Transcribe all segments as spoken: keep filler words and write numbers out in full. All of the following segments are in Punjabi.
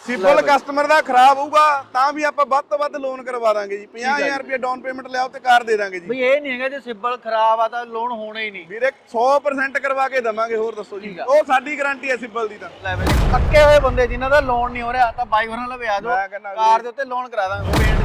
ਸਿੰਪਲ ਕਸਟਮਰ ਦਾ ਖਰਾਬ ਹੋਊਗਾ ਤਾਂ ਵੀ ਆਪਾਂ ਵੱਧ ਤੋਂ ਵੱਧ ਲੋਨ ਕਰਵਾ ਦਾਂਗੇ ਜੀ। ਪੰਜਾਹ ਹਜ਼ਾਰ ਰੁਪਏ ਡਾਊਨ ਪੇਮੈਂਟ ਲਿਆਓ ਤੇ ਕਾਰ ਦੇ ਦਾਂਗੇ ਜੀ। ਬਈ ਇਹ ਨਹੀਂ ਹੈਗਾ ਜੇ ਸਿੰਪਲ ਖਰਾਬ ਆ ਤਾਂ ਲੋਨ ਹੋਣਾ ਹੀ ਨਹੀਂ ਵੀਰੇ ਸੌ ਪਰਸੈਂਟ ਕਰਵਾ ਕੇ ਦਵਾਂਗੇ। ਹੋਰ ਦੱਸੋ ਜੀ, ਉਹ ਸਾਡੀ ਗਾਰੰਟੀ ਹੈ ਸਿੰਪਲ ਦੀ ਤਾਂ। ਲੈ ਬਈ ਪੱਕੇ ਹੋਏ ਬੰਦੇ ਜਿਨ੍ਹਾਂ ਦਾ ਲੋਨ ਨਹੀਂ ਹੋ ਰਿਹਾ ਤਾਂ ਬਾਈ ਹੋਰਾਂ ਲਵੇ ਆ ਜਾਓ, ਕਾਰ ਦੇ ਉੱਤੇ ਲੋਨ ਕਰਾ ਦਾਂਗੇ। ਪੇਂਟ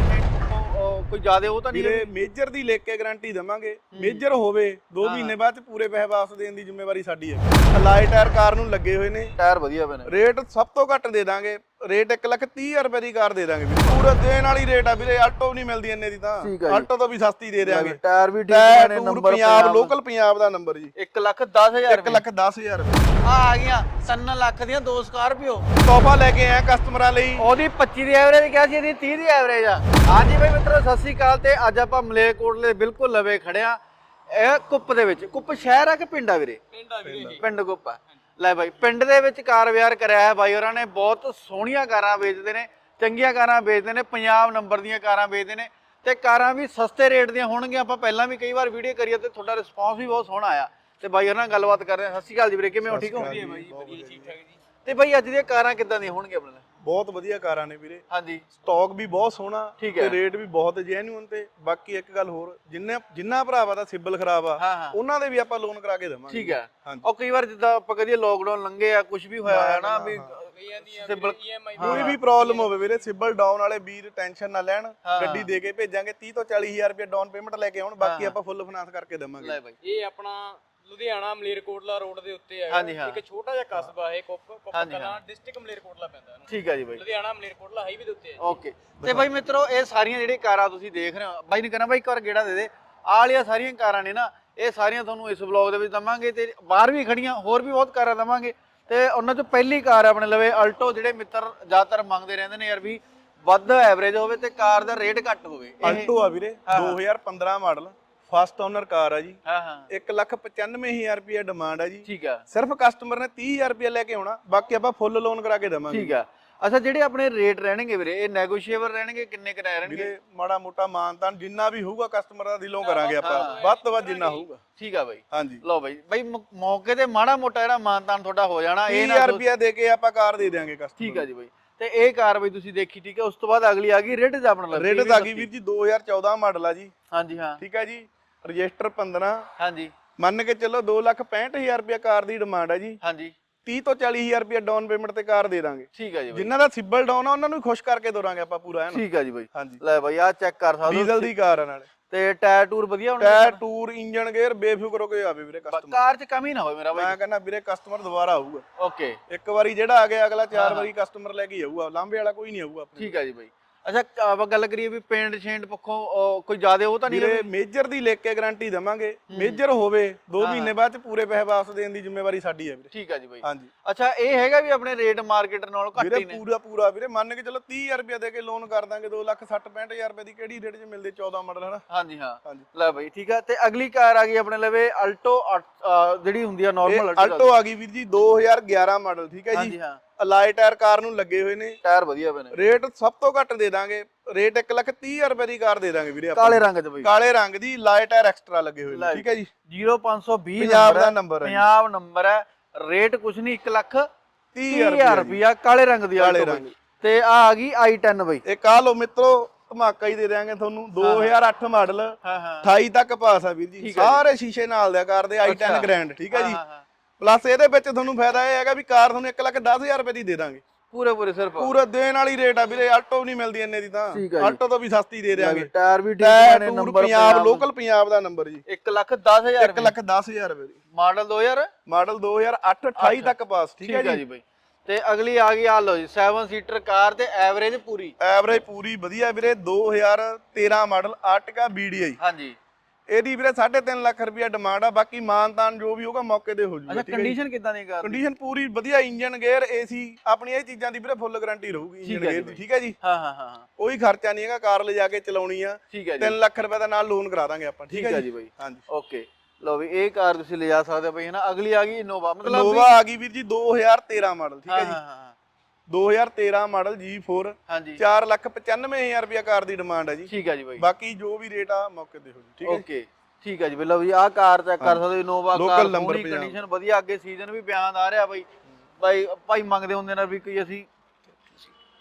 ਕੋਈ ਜ਼ਿਆਦਾ ਉਹ ਤਾਂ ਨਹੀਂ ਵੀਰੇ ਮੇਜਰ ਦੀ ਲੈ ਕੇ ਗਾਰੰਟੀ ਦਵਾਂਗੇ। ਮੇਜਰ ਹੋਵੇ ਦੋ ਮਹੀਨੇ ਬਾਅਦ ਚ ਪੂਰੇ ਪੈਸੇ ਵਾਪਸ ਦੇਣ ਦੀ ਜ਼ਿੰਮੇਵਾਰੀ ਸਾਡੀ ਹੈ। ਅਲਾਈ ਟਾਇਰ ਕਾਰ ਨੂੰ ਲੱਗੇ ਹੋਏ ਨੇ, ਟਾਇਰ ਵਧੀਆ ਪਏ ਨੇ। ਰੇਟ ਸਭ ਤੋਂ ਘੱਟ ਦੇ ਦਾਂਗੇ, ਰੇਟ ਇੱਕ ਲੱਖ ਤੀਹ ਹਜ਼ਾਰ ਰੁਪਏ ਦੀ ਕਾਰ ਦੇ ਦਾਂਗੇ ਵੀਰੇ। ਪੂਰਾ ਦੇਣ ਵਾਲੀ ਰੇਟ ਆ ਵੀਰੇ, ਆਲਟੋ ਨਹੀਂ ਮਿਲਦੀ ਇੰਨੇ ਦੀ ਤਾਂ। ਆਲਟੋ ਤੋਂ ਵੀ ਸਸਤੀ ਦੇ ਦੇਾਂਗੇ। ਟਾਇਰ ਵੀ ਠੀਕ ਨੇ, ਨੰਬਰ ਪੰਜਾਬ ਲੋਕਲ ਪੰਜਾਬ ਦਾ ਨੰਬਰ ਜੀ। ਇੱਕ ਲੱਖ ਦਸ ਹਜ਼ਾਰ ਇੱਕ ਲੱਖ ਦਸ ਹਜ਼ਾਰ ਰੁਪਏ ਆ ਆ ਗਈਆਂ ਤਿੰਨ ਲੱਖ ਦੀਆਂ ਦੋ ਸਕਾਰਪੀਓ ਤੋਹਫਾ ਲੈ ਕੇ ਆਏ ਕਸਟਮਰਾਂ ਲਈ। ਉਹਦੀ ਪੱਚੀ ਦੀ ਐਵਰੇਜ ਕਿਹਾ ਸੀ, ਇਹਦੀ ਤੀਹ ਦੀ ਐਵਰੇਜ ਆ। ਹਾਂਜੀ ਬਈ ਮਿੱਤਰੋ ਸਤਿ ਸ੍ਰੀ ਅਕਾਲ। ਤੇ ਅੱਜ ਆਪਾਂ ਮਲੇਰਕੋਟਲੇ ਬਿਲਕੁਲ ਲਵੇ ਖੜਿਆ। ਇਹ ਕੁੱਪ ਦੇ ਵਿੱਚ, ਕੁੱਪ ਸ਼ਹਿਰ ਆ ਕਿ ਪਿੰਡ ਆ ਵੀਰੇ? ਪਿੰਡ ਆ ਵੀਰੇ, ਪਿੰਡ ਕੁੱਪ ਆ। ਲੈ ਬਾਈ ਪਿੰਡ ਦੇ ਵਿੱਚ ਕਾਰ ਵਿਆਰ ਕਰਿਆ ਹੈ ਬਾਈ ਹੋਰਾਂ ਨੇ। ਬਹੁਤ ਸੋਹਣੀਆਂ ਕਾਰਾਂ ਵੇਚਦੇ ਨੇ, ਚੰਗੀਆਂ ਕਾਰਾਂ ਵੇਚਦੇ ਨੇ, ਪੰਜਾਬ ਨੰਬਰ ਦੀਆਂ ਕਾਰਾਂ ਵੇਚਦੇ ਨੇ ਤੇ ਕਾਰਾਂ ਵੀ ਸਸਤੇ ਰੇਟ ਦੀਆਂ ਹੋਣਗੀਆਂ। ਆਪਾਂ ਪਹਿਲਾਂ ਵੀ ਕਈ ਵਾਰ ਵੀਡੀਓ ਕਰੀ ਤੇ ਤੁਹਾਡਾ ਰਿਸਪੌਂਸ ਵੀ ਬਹੁਤ ਸੋਹਣਾ ਆਇਆ। ਤੇ ਬਾਈ ਹੋਰਾਂ ਨਾਲ ਗੱਲਬਾਤ ਕਰ ਰਹੇ ਹਾਂ। ਸਤਿ ਸ਼੍ਰੀ ਅਕਾਲ ਜੀ ਵੀਰੇ, ਕਿਵੇਂ ਹੋ? ਠੀਕ ਹੋ? ਵਧੀਆ ਬਾਈ, ਵਧੀਆ ਠੀਕ ਠਾਕ ਜੀ। ਤੇ ਬਾਈ ਅੱਜ ਦੀਆਂ ਕਾਰਾਂ ਕਿੱਦਾਂ ਦੀਆਂ ਹੋਣਗੀਆਂ ਆਪਣੇ? ਬਹੁਤ ਵਧੀਆ ਕਾਰਾਂ ਨੇ ਵੀਰੇ। ਹਾਂਜੀ, ਸਟਾਕ ਵੀ ਬਹੁਤ ਸੋਹਣਾ ਠੀਕ ਹੈ, ਤੇ ਰੇਟ ਵੀ ਬਹੁਤ ਜੈਨੂਇਨ। ਤੇ ਬਾਕੀ ਇੱਕ ਗੱਲ ਹੋਰ, ਜਿੰਨੇ ਜਿੰਨਾ ਭਰਾਵਾ ਦਾ ਸਿਬਲ ਖਰਾਬ ਆ ਹਾਂ ਹਾਂ ਉਹਨਾਂ ਦੇ ਵੀ ਆਪਾਂ ਲੋਨ ਕਰਾ ਕੇ ਦੇਵਾਂਗੇ। ਠੀਕ ਹੈ। ਉਹ ਕਈ ਵਾਰ ਜਿੱਦਾਂ ਆਪਾਂ ਕਹਦੇ ਲੋਕਡਾਊਨ ਲੰਘੇ ਆ, ਕੁਝ ਵੀ ਹੋਇਆ ਹੈ ਨਾ ਵੀ ਕਈਆਂ ਦੀਆਂ ਸਿਬਲ ਈਐਮਆਈ ਕੋਈ ਵੀ ਪ੍ਰੋਬਲਮ ਹੋਵੇ ਵੀਰੇ, ਸਿਬਲ ਡਾਊਨ ਵਾਲੇ ਵੀਰ ਟੈਨਸ਼ਨ ਨਾ ਲੈਣ। ਗੱਡੀ ਦੇ ਕੇ ਭੇਜਾਂਗੇ। ਤੀਹ ਤੋਂ ਚਾਲੀ ਹਜ਼ਾਰ ਰੁਪਏ ਡਾਊਨ ਪੇਮੈਂਟ ਲੈ ਕੇ ਆਉਣ, ਬਾਕੀ ਆਪਾਂ ਫੁੱਲ ਫਾਈਨਾਂਸ ਕਰਕੇ ਦੇਵਾਂਗੇ। ਲੈ ਬਾਈ ਇਹ ਆਪਣਾ ਲੁਧਿਆਣਾ ਮਲੇਰਕੋਟਲਾ ਰੋਡ ਦੇ ਉੱਤੇ ਹੈ। ਹਾਂਜੀ ਹਾਂ, ਇੱਕ ਛੋਟਾ ਜਿਹਾ ਕਸਬਾ ਹੈ ਕੁੱਪ ਕੁੱਪ ਕਲਾਂ, ਡਿਸਟ੍ਰਿਕਟ ਮਲੇਰਕੋਟਲਾ ਪੈਂਦਾ ਇਹਨੂੰ। ਠੀਕ ਹੈ ਜੀ ਬਾਈ, ਲੁਧਿਆਣਾ ਮਲੇਰਕੋਟਲਾ ਹਾਈਵੇ ਦੇ ਉੱਤੇ ਹੈ। ਓਕੇ। ਤੇ ਬਾਈ ਮਿੱਤਰੋ ਇਹ ਸਾਰੀਆਂ ਜਿਹੜੀਆਂ ਕਾਰਾਂ ਤੁਸੀਂ ਦੇਖ ਰਹੇ ਹੋ, ਬਾਈ ਨੇ ਕਹਿਣਾ ਬਾਈ ਇੱਕ ਵਾਰ ਗੇੜਾ ਦੇ ਦੇ। ਆਹ ਵਾਲੀਆਂ ਸਾਰੀਆਂ ਕਾਰਾਂ ਨੇ ਨਾ, ਇਹ ਸਾਰੀਆਂ ਤੁਹਾਨੂੰ ਇਸ ਵਲੌਗ ਦੇ ਵਿੱਚ ਦਵਾਂਗੇ ਤੇ ਬਾਹਰ ਵੀ ਖੜੀਆਂ ਹੋਰ ਵੀ ਬਹੁਤ ਕਾਰਾਂ ਦਵਾਂਗੇ। ਤੇ ਉਹਨਾਂ ਚੋਂ ਪਹਿਲੀ ਕਾਰ ਆਪਣੇ ਲਵੇ ਆਲਟੋ, ਜਿਹੜੇ ਮਿੱਤਰ ਜ਼ਿਆਦਾਤਰ ਮੰਗਦੇ ਰਹਿੰਦੇ ਨੇ ਯਾਰ ਵੀ ਵੱਧ ਐਵਰੇਜ ਹੋਵੇ ਤੇ ਕਾਰ ਦਾ ਰੇਟ ਘੱਟ ਹੋਵੇ। ਆਲਟੋ ਆ ਵੀਰੇ, ਦੋ ਹਜ਼ਾਰ ਪੰਦਰਾਂ ਮਾਡਲ, ਫਸਟ ਓਨਰ ਕਾਰ ਆ ਜੀ। ਹਾਂ ਹਾਂ, ਇੱਕ ਲੱਖ ਪਚਾਨਵੇਂ ਹਜ਼ਾਰ ਰੁਪਏ ਡਿਮਾਂਡ ਆ ਜੀ। ਠੀਕ ਆ। ਸਿਰਫ ਕਸਟਮਰ ਨੇ ਤੀਹ ਹਜ਼ਾਰ ਰੁਪਏ ਲੈ ਕੇ ਆਉਣਾ, ਬਾਕੀ ਆਪਾਂ ਫੁੱਲ ਲੋਨ ਕਰਾ ਕੇ ਦੇਵਾਂਗੇ। ਠੀਕ ਆ। ਅੱਛਾ, ਜਿਹੜੇ ਆਪਣੇ ਰੇਟ ਰਹਿਣਗੇ ਵੀਰੇ ਇਹ ਨੈਗੋਸ਼ੀਏਬਲ ਰਹਿਣਗੇ? ਕਿੰਨੇ ਕਿਰਾਏ ਰਹਿਣਗੇ ਵੀਰੇ? ਮਾੜਾ ਮੋਟਾ ਮਾਨਤਾਨ ਜਿੰਨਾ ਵੀ ਹੋਊਗਾ ਕਸਟਮਰ ਦਾ ਦਿਲੋਂ ਕਰਾਂਗੇ ਆਪਾਂ, ਵੱਧ ਤੋਂ ਵੱਧ ਜਿੰਨਾ ਹੋਊਗਾ। ਠੀਕ ਆ ਬਾਈ। ਹਾਂਜੀ ਲਓ ਬਾਈ, ਬਾਈ ਮੌਕੇ ਤੇ ਮਾੜਾ ਮੋਟਾ ਜਿਹੜਾ ਮਾਨਤਾਨ ਤੁਹਾਡਾ ਹੋ ਜਾਣਾ। ਇਹ ਤੀਹ ਹਜ਼ਾਰ ਰੁਪਏ ਦੇ ਕੇ ਆਪਾਂ ਕਾਰ ਦੇ ਦੇਵਾਂਗੇ ਕਸਟਮਰ। ਠੀਕ ਆ ਜੀ ਬਾਈ। ਤੇ ਇਹ ਕਾਰ ਬਾਈ ਤੁਸੀਂ ਦੇਖੀ, ਠੀਕ ਹੈ। ਉਸ ਤੋਂ ਬਾਅਦ ਅਗਲੀ ਆ ਗਈ ਰੇਟ ਦਾ ਆਪਣਾ ਲੱਗ ਰੇਟ ਆ ਗਈ ਵੀਰ ਜੀ, ਦੋ ਹਜ਼ਾਰ ਚੌਦਾਂ ਮਾਡਲ ਆ ਜੀ। ਹਾਂਜੀ ਹਾਂ, ਠੀਕ ਹੈ ਜੀ। ਰਜਿਸਟਰ ਪੰਦਰਾਂ, ਹਾਂਜੀ ਮੰਨ ਕੇ ਚੱਲੋ ਦੋ ਲੱਖ ਪੈਂਹਠ ਹਜ਼ਾਰ ਰੁਪਏ ਕਾਰ ਦੀ ਡਿਮਾਂਡ ਹੈ ਜੀ। ਹਾਂਜੀ, ਤੀਹ ਤੋਂ ਚਾਲੀ ਹਜ਼ਾਰ ਰੁਪਏ ਡਾਊਨ ਪੇਮੈਂਟ ਤੇ ਕਾਰ ਦੇ ਦਾਂਗੇ। ਠੀਕ ਹੈ ਜੀ ਬਾਈ। ਜਿਨ੍ਹਾਂ ਦਾ ਸਿਬਲ ਡਾਊਨ ਆ ਉਹਨਾਂ ਨੂੰ ਖੁਸ਼ ਕਰਕੇ ਦੋਰਾਂਗੇ ਆਪਾਂ ਪੂਰਾ ਹੈ ਨਾ। ਠੀਕ ਹੈ ਜੀ ਬਾਈ। ਹਾਂਜੀ, ਲੈ ਬਾਈ ਆਹ ਚੈੱਕ ਕਰ ਸਕਦੇ ਹੋ, ਡੀਜ਼ਲ ਦੀ ਕਾਰ ਆ ਨਾਲੇ। ਤੇ ਟਾਇਰ ਟੂਰ ਵਧੀਆ ਹੋਣਗੇ? ਟਾਇਰ ਟੂਰ ਇੰਜਨ ਗੇਅਰ ਬੇਫਿਕਰ ਹੋ ਕੇ ਆਵੇ ਵੀਰੇ ਕਸਟਮਰ। ਕਾਰ 'ਚ ਕਮੀ ਨਾ ਹੋਵੇ ਮੇਰਾ ਬਾਈ। ਮੈਂ ਕਹਿੰਦਾ ਵੀਰੇ ਕਸਟਮਰ ਦੁਬਾਰਾ ਆਊਗਾ। ਓਕੇ, ਇੱਕ ਵਾਰੀ ਜਿਹੜਾ ਆ ਗਿਆ ਅਗਲਾ ਚਾਰ ਵਾਰੀ ਕਸਟਮਰ ਲੈ ਕੇ ਆਊਗਾ, ਲਾਂਬੇ ਵਾਲਾ ਕੋਈ ਨਹੀਂ ਆਊਗਾ ਆਪਣੇ। ਠੀਕ ਹੈ ਜੀ ਬਾਈ। ਅੱਛਾ, ਆਪਾਂ ਗੱਲ ਕਰੀਏ ਵੀ ਪੇਂਟ ਸ਼ੇਂਟ ਪੱਖੋਂ ਕੋਈ ਜ਼ਿਆਦਾ ਉਹ ਤਾਂ ਨਹੀਂ? ਵੀਰੇ ਮੇਜਰ ਦੀ ਲੈ ਕੇ ਗਾਰੰਟੀ ਦਵਾਂਗੇ। ਮੇਜਰ ਹੋਵੇ ਦੋ ਮਹੀਨੇ ਬਾਅਦ ਚ ਪੂਰੇ ਪੈਸੇ ਵਾਪਸ ਦੇਣ ਦੀ ਜ਼ਿੰਮੇਵਾਰੀ ਸਾਡੀ ਹੈ ਵੀਰੇ। ਠੀਕ ਹੈ ਜੀ ਬਾਈ। ਹਾਂਜੀ। ਅੱਛਾ, ਇਹ ਹੈਗਾ ਵੀ ਆਪਣੇ ਰੇਟ ਮਾਰਕੀਟ ਨਾਲੋਂ ਘੱਟ ਹੀ ਵੀਰੇ ਨੇ? ਪੂਰਾ ਪੂਰਾ ਵੀਰੇ ਮੰਨ ਕੇ ਚਲੋ ਤੀਹ ਹਜ਼ਾਰ ਰੁਪਏ ਦੇ ਕੇ ਲੋਨ ਕਰ ਦਾਂਗੇ। ਦੋ ਲੱਖ ਸੱਠ ਪੈਂਹਠ ਹਜ਼ਾਰ ਰੁਪਏ ਦੀ ਕਿਹੜੀ ਰੇਟ 'ਚ ਮਿਲਦੇ? ਚੌਦਾਂ ਮਾਡਲ ਹੈ ਨਾ। ਹਾਂਜੀ ਹਾਂ। ਹਾਂਜੀ, ਲੈ ਬਾਈ ਠੀਕ ਆ। ਤੇ ਅਗਲੀ ਕਾਰ ਆ ਗਈ ਆਪਣੇ ਲਵੇ ਆਲਟੋ, ਜਿਹੜੀ ਹੁੰਦੀ ਆ ਨਾਰਮਲ ਆਲਟੋ ਆ ਗਈ ਵੀਰ ਜੀ, ਦੋ ਹਜ਼ਾਰ ਗਿਆਰਾਂ ਮਾਡਲ। ਠੀਕ ਹੈ ਜੀ। ਹਾਂਜੀ ਹਾਂ, ਅਲਾਈ ਟਾਇਰ ਕਾਰ ਨੂੰ ਲੱਗੇ ਹੋਏ ਨੇ, ਟਾਇਰ ਵਧੀਆ ਬਣੇ। ਰੇਟ ਸਭ ਤੋਂ ਘੱਟ ਦੇ ਦਾਂਗੇ। ਰੇਟ ਇੱਕ ਲੱਖ ਤੀਹ ਹਜ਼ਾਰ ਰੁਪਏ ਦੀ ਕਾਰ ਦੇ ਦਾਂਗੇ ਵੀਰੇ ਆਪਾਂ। ਕਾਲੇ ਰੰਗ 'ਚ ਬਾਈ, ਕਾਲੇ ਰੰਗ ਦੀ ਲਾਈ ਟਾਇਰ ਐਕਸਟਰਾ ਲੱਗੇ ਹੋਏ ਨੇ। ਠੀਕ ਹੈ ਜੀ। ਜ਼ੀਰੋ ਪੰਜ ਸੌ ਵੀਹ ਪੰਜਾਬ ਦਾ ਨੰਬਰ ਹੈ, ਪੰਜਾਬ ਨੰਬਰ ਹੈ। ਰੇਟ ਕੁਛ ਨਹੀਂ, ਇੱਕ ਲੱਖ ਤੀਹ ਹਜ਼ਾਰ ਰੁਪਇਆ, ਕਾਲੇ ਰੰਗ ਦੀ ਕਾਲੇ ਆਲਟੋ ਰੰਗ। ਤੇ ਆ ਆ ਗਈ ਆਈ ਟੈਨ ਬਾਈ। ਇਹ ਕਾ ਲੋ ਮਿੱਤਰੋ, ਧਮਾਕਾ ਹੀ ਦੇ ਦਿਆਂਗੇ ਤੁਹਾਨੂੰ। ਦੋ ਹਜ਼ਾਰ ਅੱਠ ਮਾਡਲ, ਹਾਂ ਹਾਂ, ਅਠਾਈ ਤੱਕ ਪਾਸ ਆ ਵੀਰ ਜੀ। ਸਾਰੇ ਸ਼ੀਸ਼ੇ ਨਾਲ ਦਿਆ ਕਾਰ ਦੇ, ਆਈ ਟੈਨ ਗ੍ਰੈਂਡ। ਠੀਕ ਹੈ ਜੀ। ਪਲੱਸ ਇਹਦੇ ਵਿੱਚ ਤੁਹਾਨੂੰ ਫਾਇਦਾ ਇਹ ਹੈਗਾ ਵੀ ਕਾਰ ਤੁਹਾਨੂੰ ਇੱਕ ਲੱਖ ਦਸ ਹਜ਼ਾਰ ਰੁਪਏ ਦੀ ਦੇ ਦਾਂਗੇ। ਪੂਰੇ ਪੂਰੇ ਸਿਰਫ ਪੂਰਾ ਦੇਣ ਵਾਲੀ ਰੇਟ ਆ ਵੀਰੇ। ਆਲਟੋ ਨਹੀਂ ਮਿਲਦੀ ਇੰਨੇ ਦੀ ਤਾਂ, ਆਲਟੋ ਤੋਂ ਵੀ ਸਸਤੀ ਦੇ ਦਿਆਂਗੇ। ਟਾਇਰ ਵੀ ਠੀਕ ਨੇ, ਨੰਬਰ ਪੰਜਾਬ ਲੋਕਲ ਪੰਜਾਬ ਦਾ ਨੰਬਰ ਜੀ। ਇੱਕ ਲੱਖ ਦਸ ਹਜ਼ਾਰ ਇੱਕ ਲੱਖ ਦਸ ਹਜ਼ਾਰ ਰੁਪਏ ਦੀ। ਮਾਡਲ ਦੋ ਹਜ਼ਾਰ ਮਾਡਲ ਦੋ ਹਜ਼ਾਰ ਅੱਠ, ਅਠਾਈ ਤੱਕ ਪਾਸ। ਠੀਕ ਹੈ ਜੀ ਬਾਈ। ਤੇ ਅਗਲੀ ਆ ਗਈ ਆ ਲੋ ਜੀ, ਸੈਵਨ ਸੀਟਰ ਕਾਰ ਤੇ ਐਵਰੇਜ ਪੂਰੀ। ਐਵਰੇਜ ਪੂਰੀ ਵਧੀਆ ਵੀਰੇ, ਦੋ ਹਜ਼ਾਰ ਤੇਰਾਂ ਮਾਡਲ ਆਰਟਿਕਾ ਬੀਡੀਆਈ। ਹਾਂਜੀ, ਇਹਦੀ ਵੀਰੇ ਸਾਢੇ ਤਿੰਨ ਲੱਖ ਰੁਪਇਆ ਡਿਮਾਂਡ ਆ। ਬਾਕੀ ਮਾਨਤਾਨ ਜੋ ਵੀ ਹੋਗਾ ਮੌਕੇ ਤੇ ਹੋ ਜੂਗਾ। ਅੱਛਾ, ਕੰਡੀਸ਼ਨ ਕਿਦਾਂ ਦੀ ਕਾਰ? ਕੰਡੀਸ਼ਨ ਪੂਰੀ ਵਧੀਆ, ਇੰਜਨ ਗੇਅਰ ਏਸੀ ਆਪਣੀ ਇਹ ਚੀਜ਼ਾਂ ਦੀ ਵੀਰੇ ਫੁੱਲ ਗਾਰੰਟੀ ਰਹੂਗੀ ਇੰਜਨ ਗੇਅਰ ਦੀ। ਠੀਕ ਹੈ ਜੀ। ਹਾਂ ਹਾਂ ਹਾਂ, ਕੋਈ ਖਰਚਾ ਨਹੀਂ ਹੈਗਾ, ਕਾਰ ਲੈ ਜਾ ਕੇ ਚਲਾਉਣੀ ਆ। ਠੀਕ ਹੈ ਜੀ। ਤਿੰਨ ਲੱਖ ਰੁਪਏ ਦਾ ਨਾਲ ਲੋਨ ਕਰਾ ਦਾਂਗੇ ਆਪਾਂ। ਠੀਕ ਹੈ ਜੀ ਬਾਈ। ਹਾਂਜੀ, ਓਕੇ। ਲੋ ਵੀ ਇਹ ਕਾਰ ਤੁਸੀਂ ਲਿਜਾ ਸਕਦੇ ਹੋ ਬਾਈ, ਹੈ ਨਾ। ਅਗਲੀ ਆ ਗਈ ਇਨੋਵਾ, ਮਤਲਬ ਇਨੋਵਾ ਆ ਗਈ ਵੀਰ ਜੀ, ਦੋ ਹਜ਼ਾਰ ਤੇਰਾਂ ਮਾਡਲ। ਠੀਕ ਹੈ ਜੀ। ਹਾਂ ਹਾਂ, ਦੋ ਹਜ਼ਾਰ ਤੇਰਾਂ ਮਾਡਲ ਜੀ ਫੋਰ। ਹਾਂਜੀ, ਚਾਰ ਲੱਖ ਪਚਾਨਵੇਂ ਹਜ਼ਾਰ ਰੁਪਇਆ ਕਾਰ ਦੀ ਡਿਮਾਂਡ ਹੈ ਜੀ। ਠੀਕ ਹੈ ਜੀ ਬਾਈ। ਬਾਕੀ ਜੋ ਵੀ ਰੇਟ ਆ ਮੌਕੇ ਤੇ ਹੋ ਜੀ। ਠੀਕ ਹੈ। ਓਕੇ, ਠੀਕ ਹੈ ਜੀ। ਲਓ ਵੀ ਆਹ ਕਾਰ ਚੈੱਕ ਕਰ ਸਕਦੇ ਹੋ, Innova car, local number, condition ਵਧੀਆ। ਅੱਗੇ ਸੀਜ਼ਨ ਵੀ ਬਿਆਨ ਆ ਰਿਹਾ ਬਾਈ। ਬਾਈ ਭਾਈ ਮੰਗਦੇ ਹੁੰਦੇ ਨੇ ਵੀ ਕੋਈ ਅਸੀਂ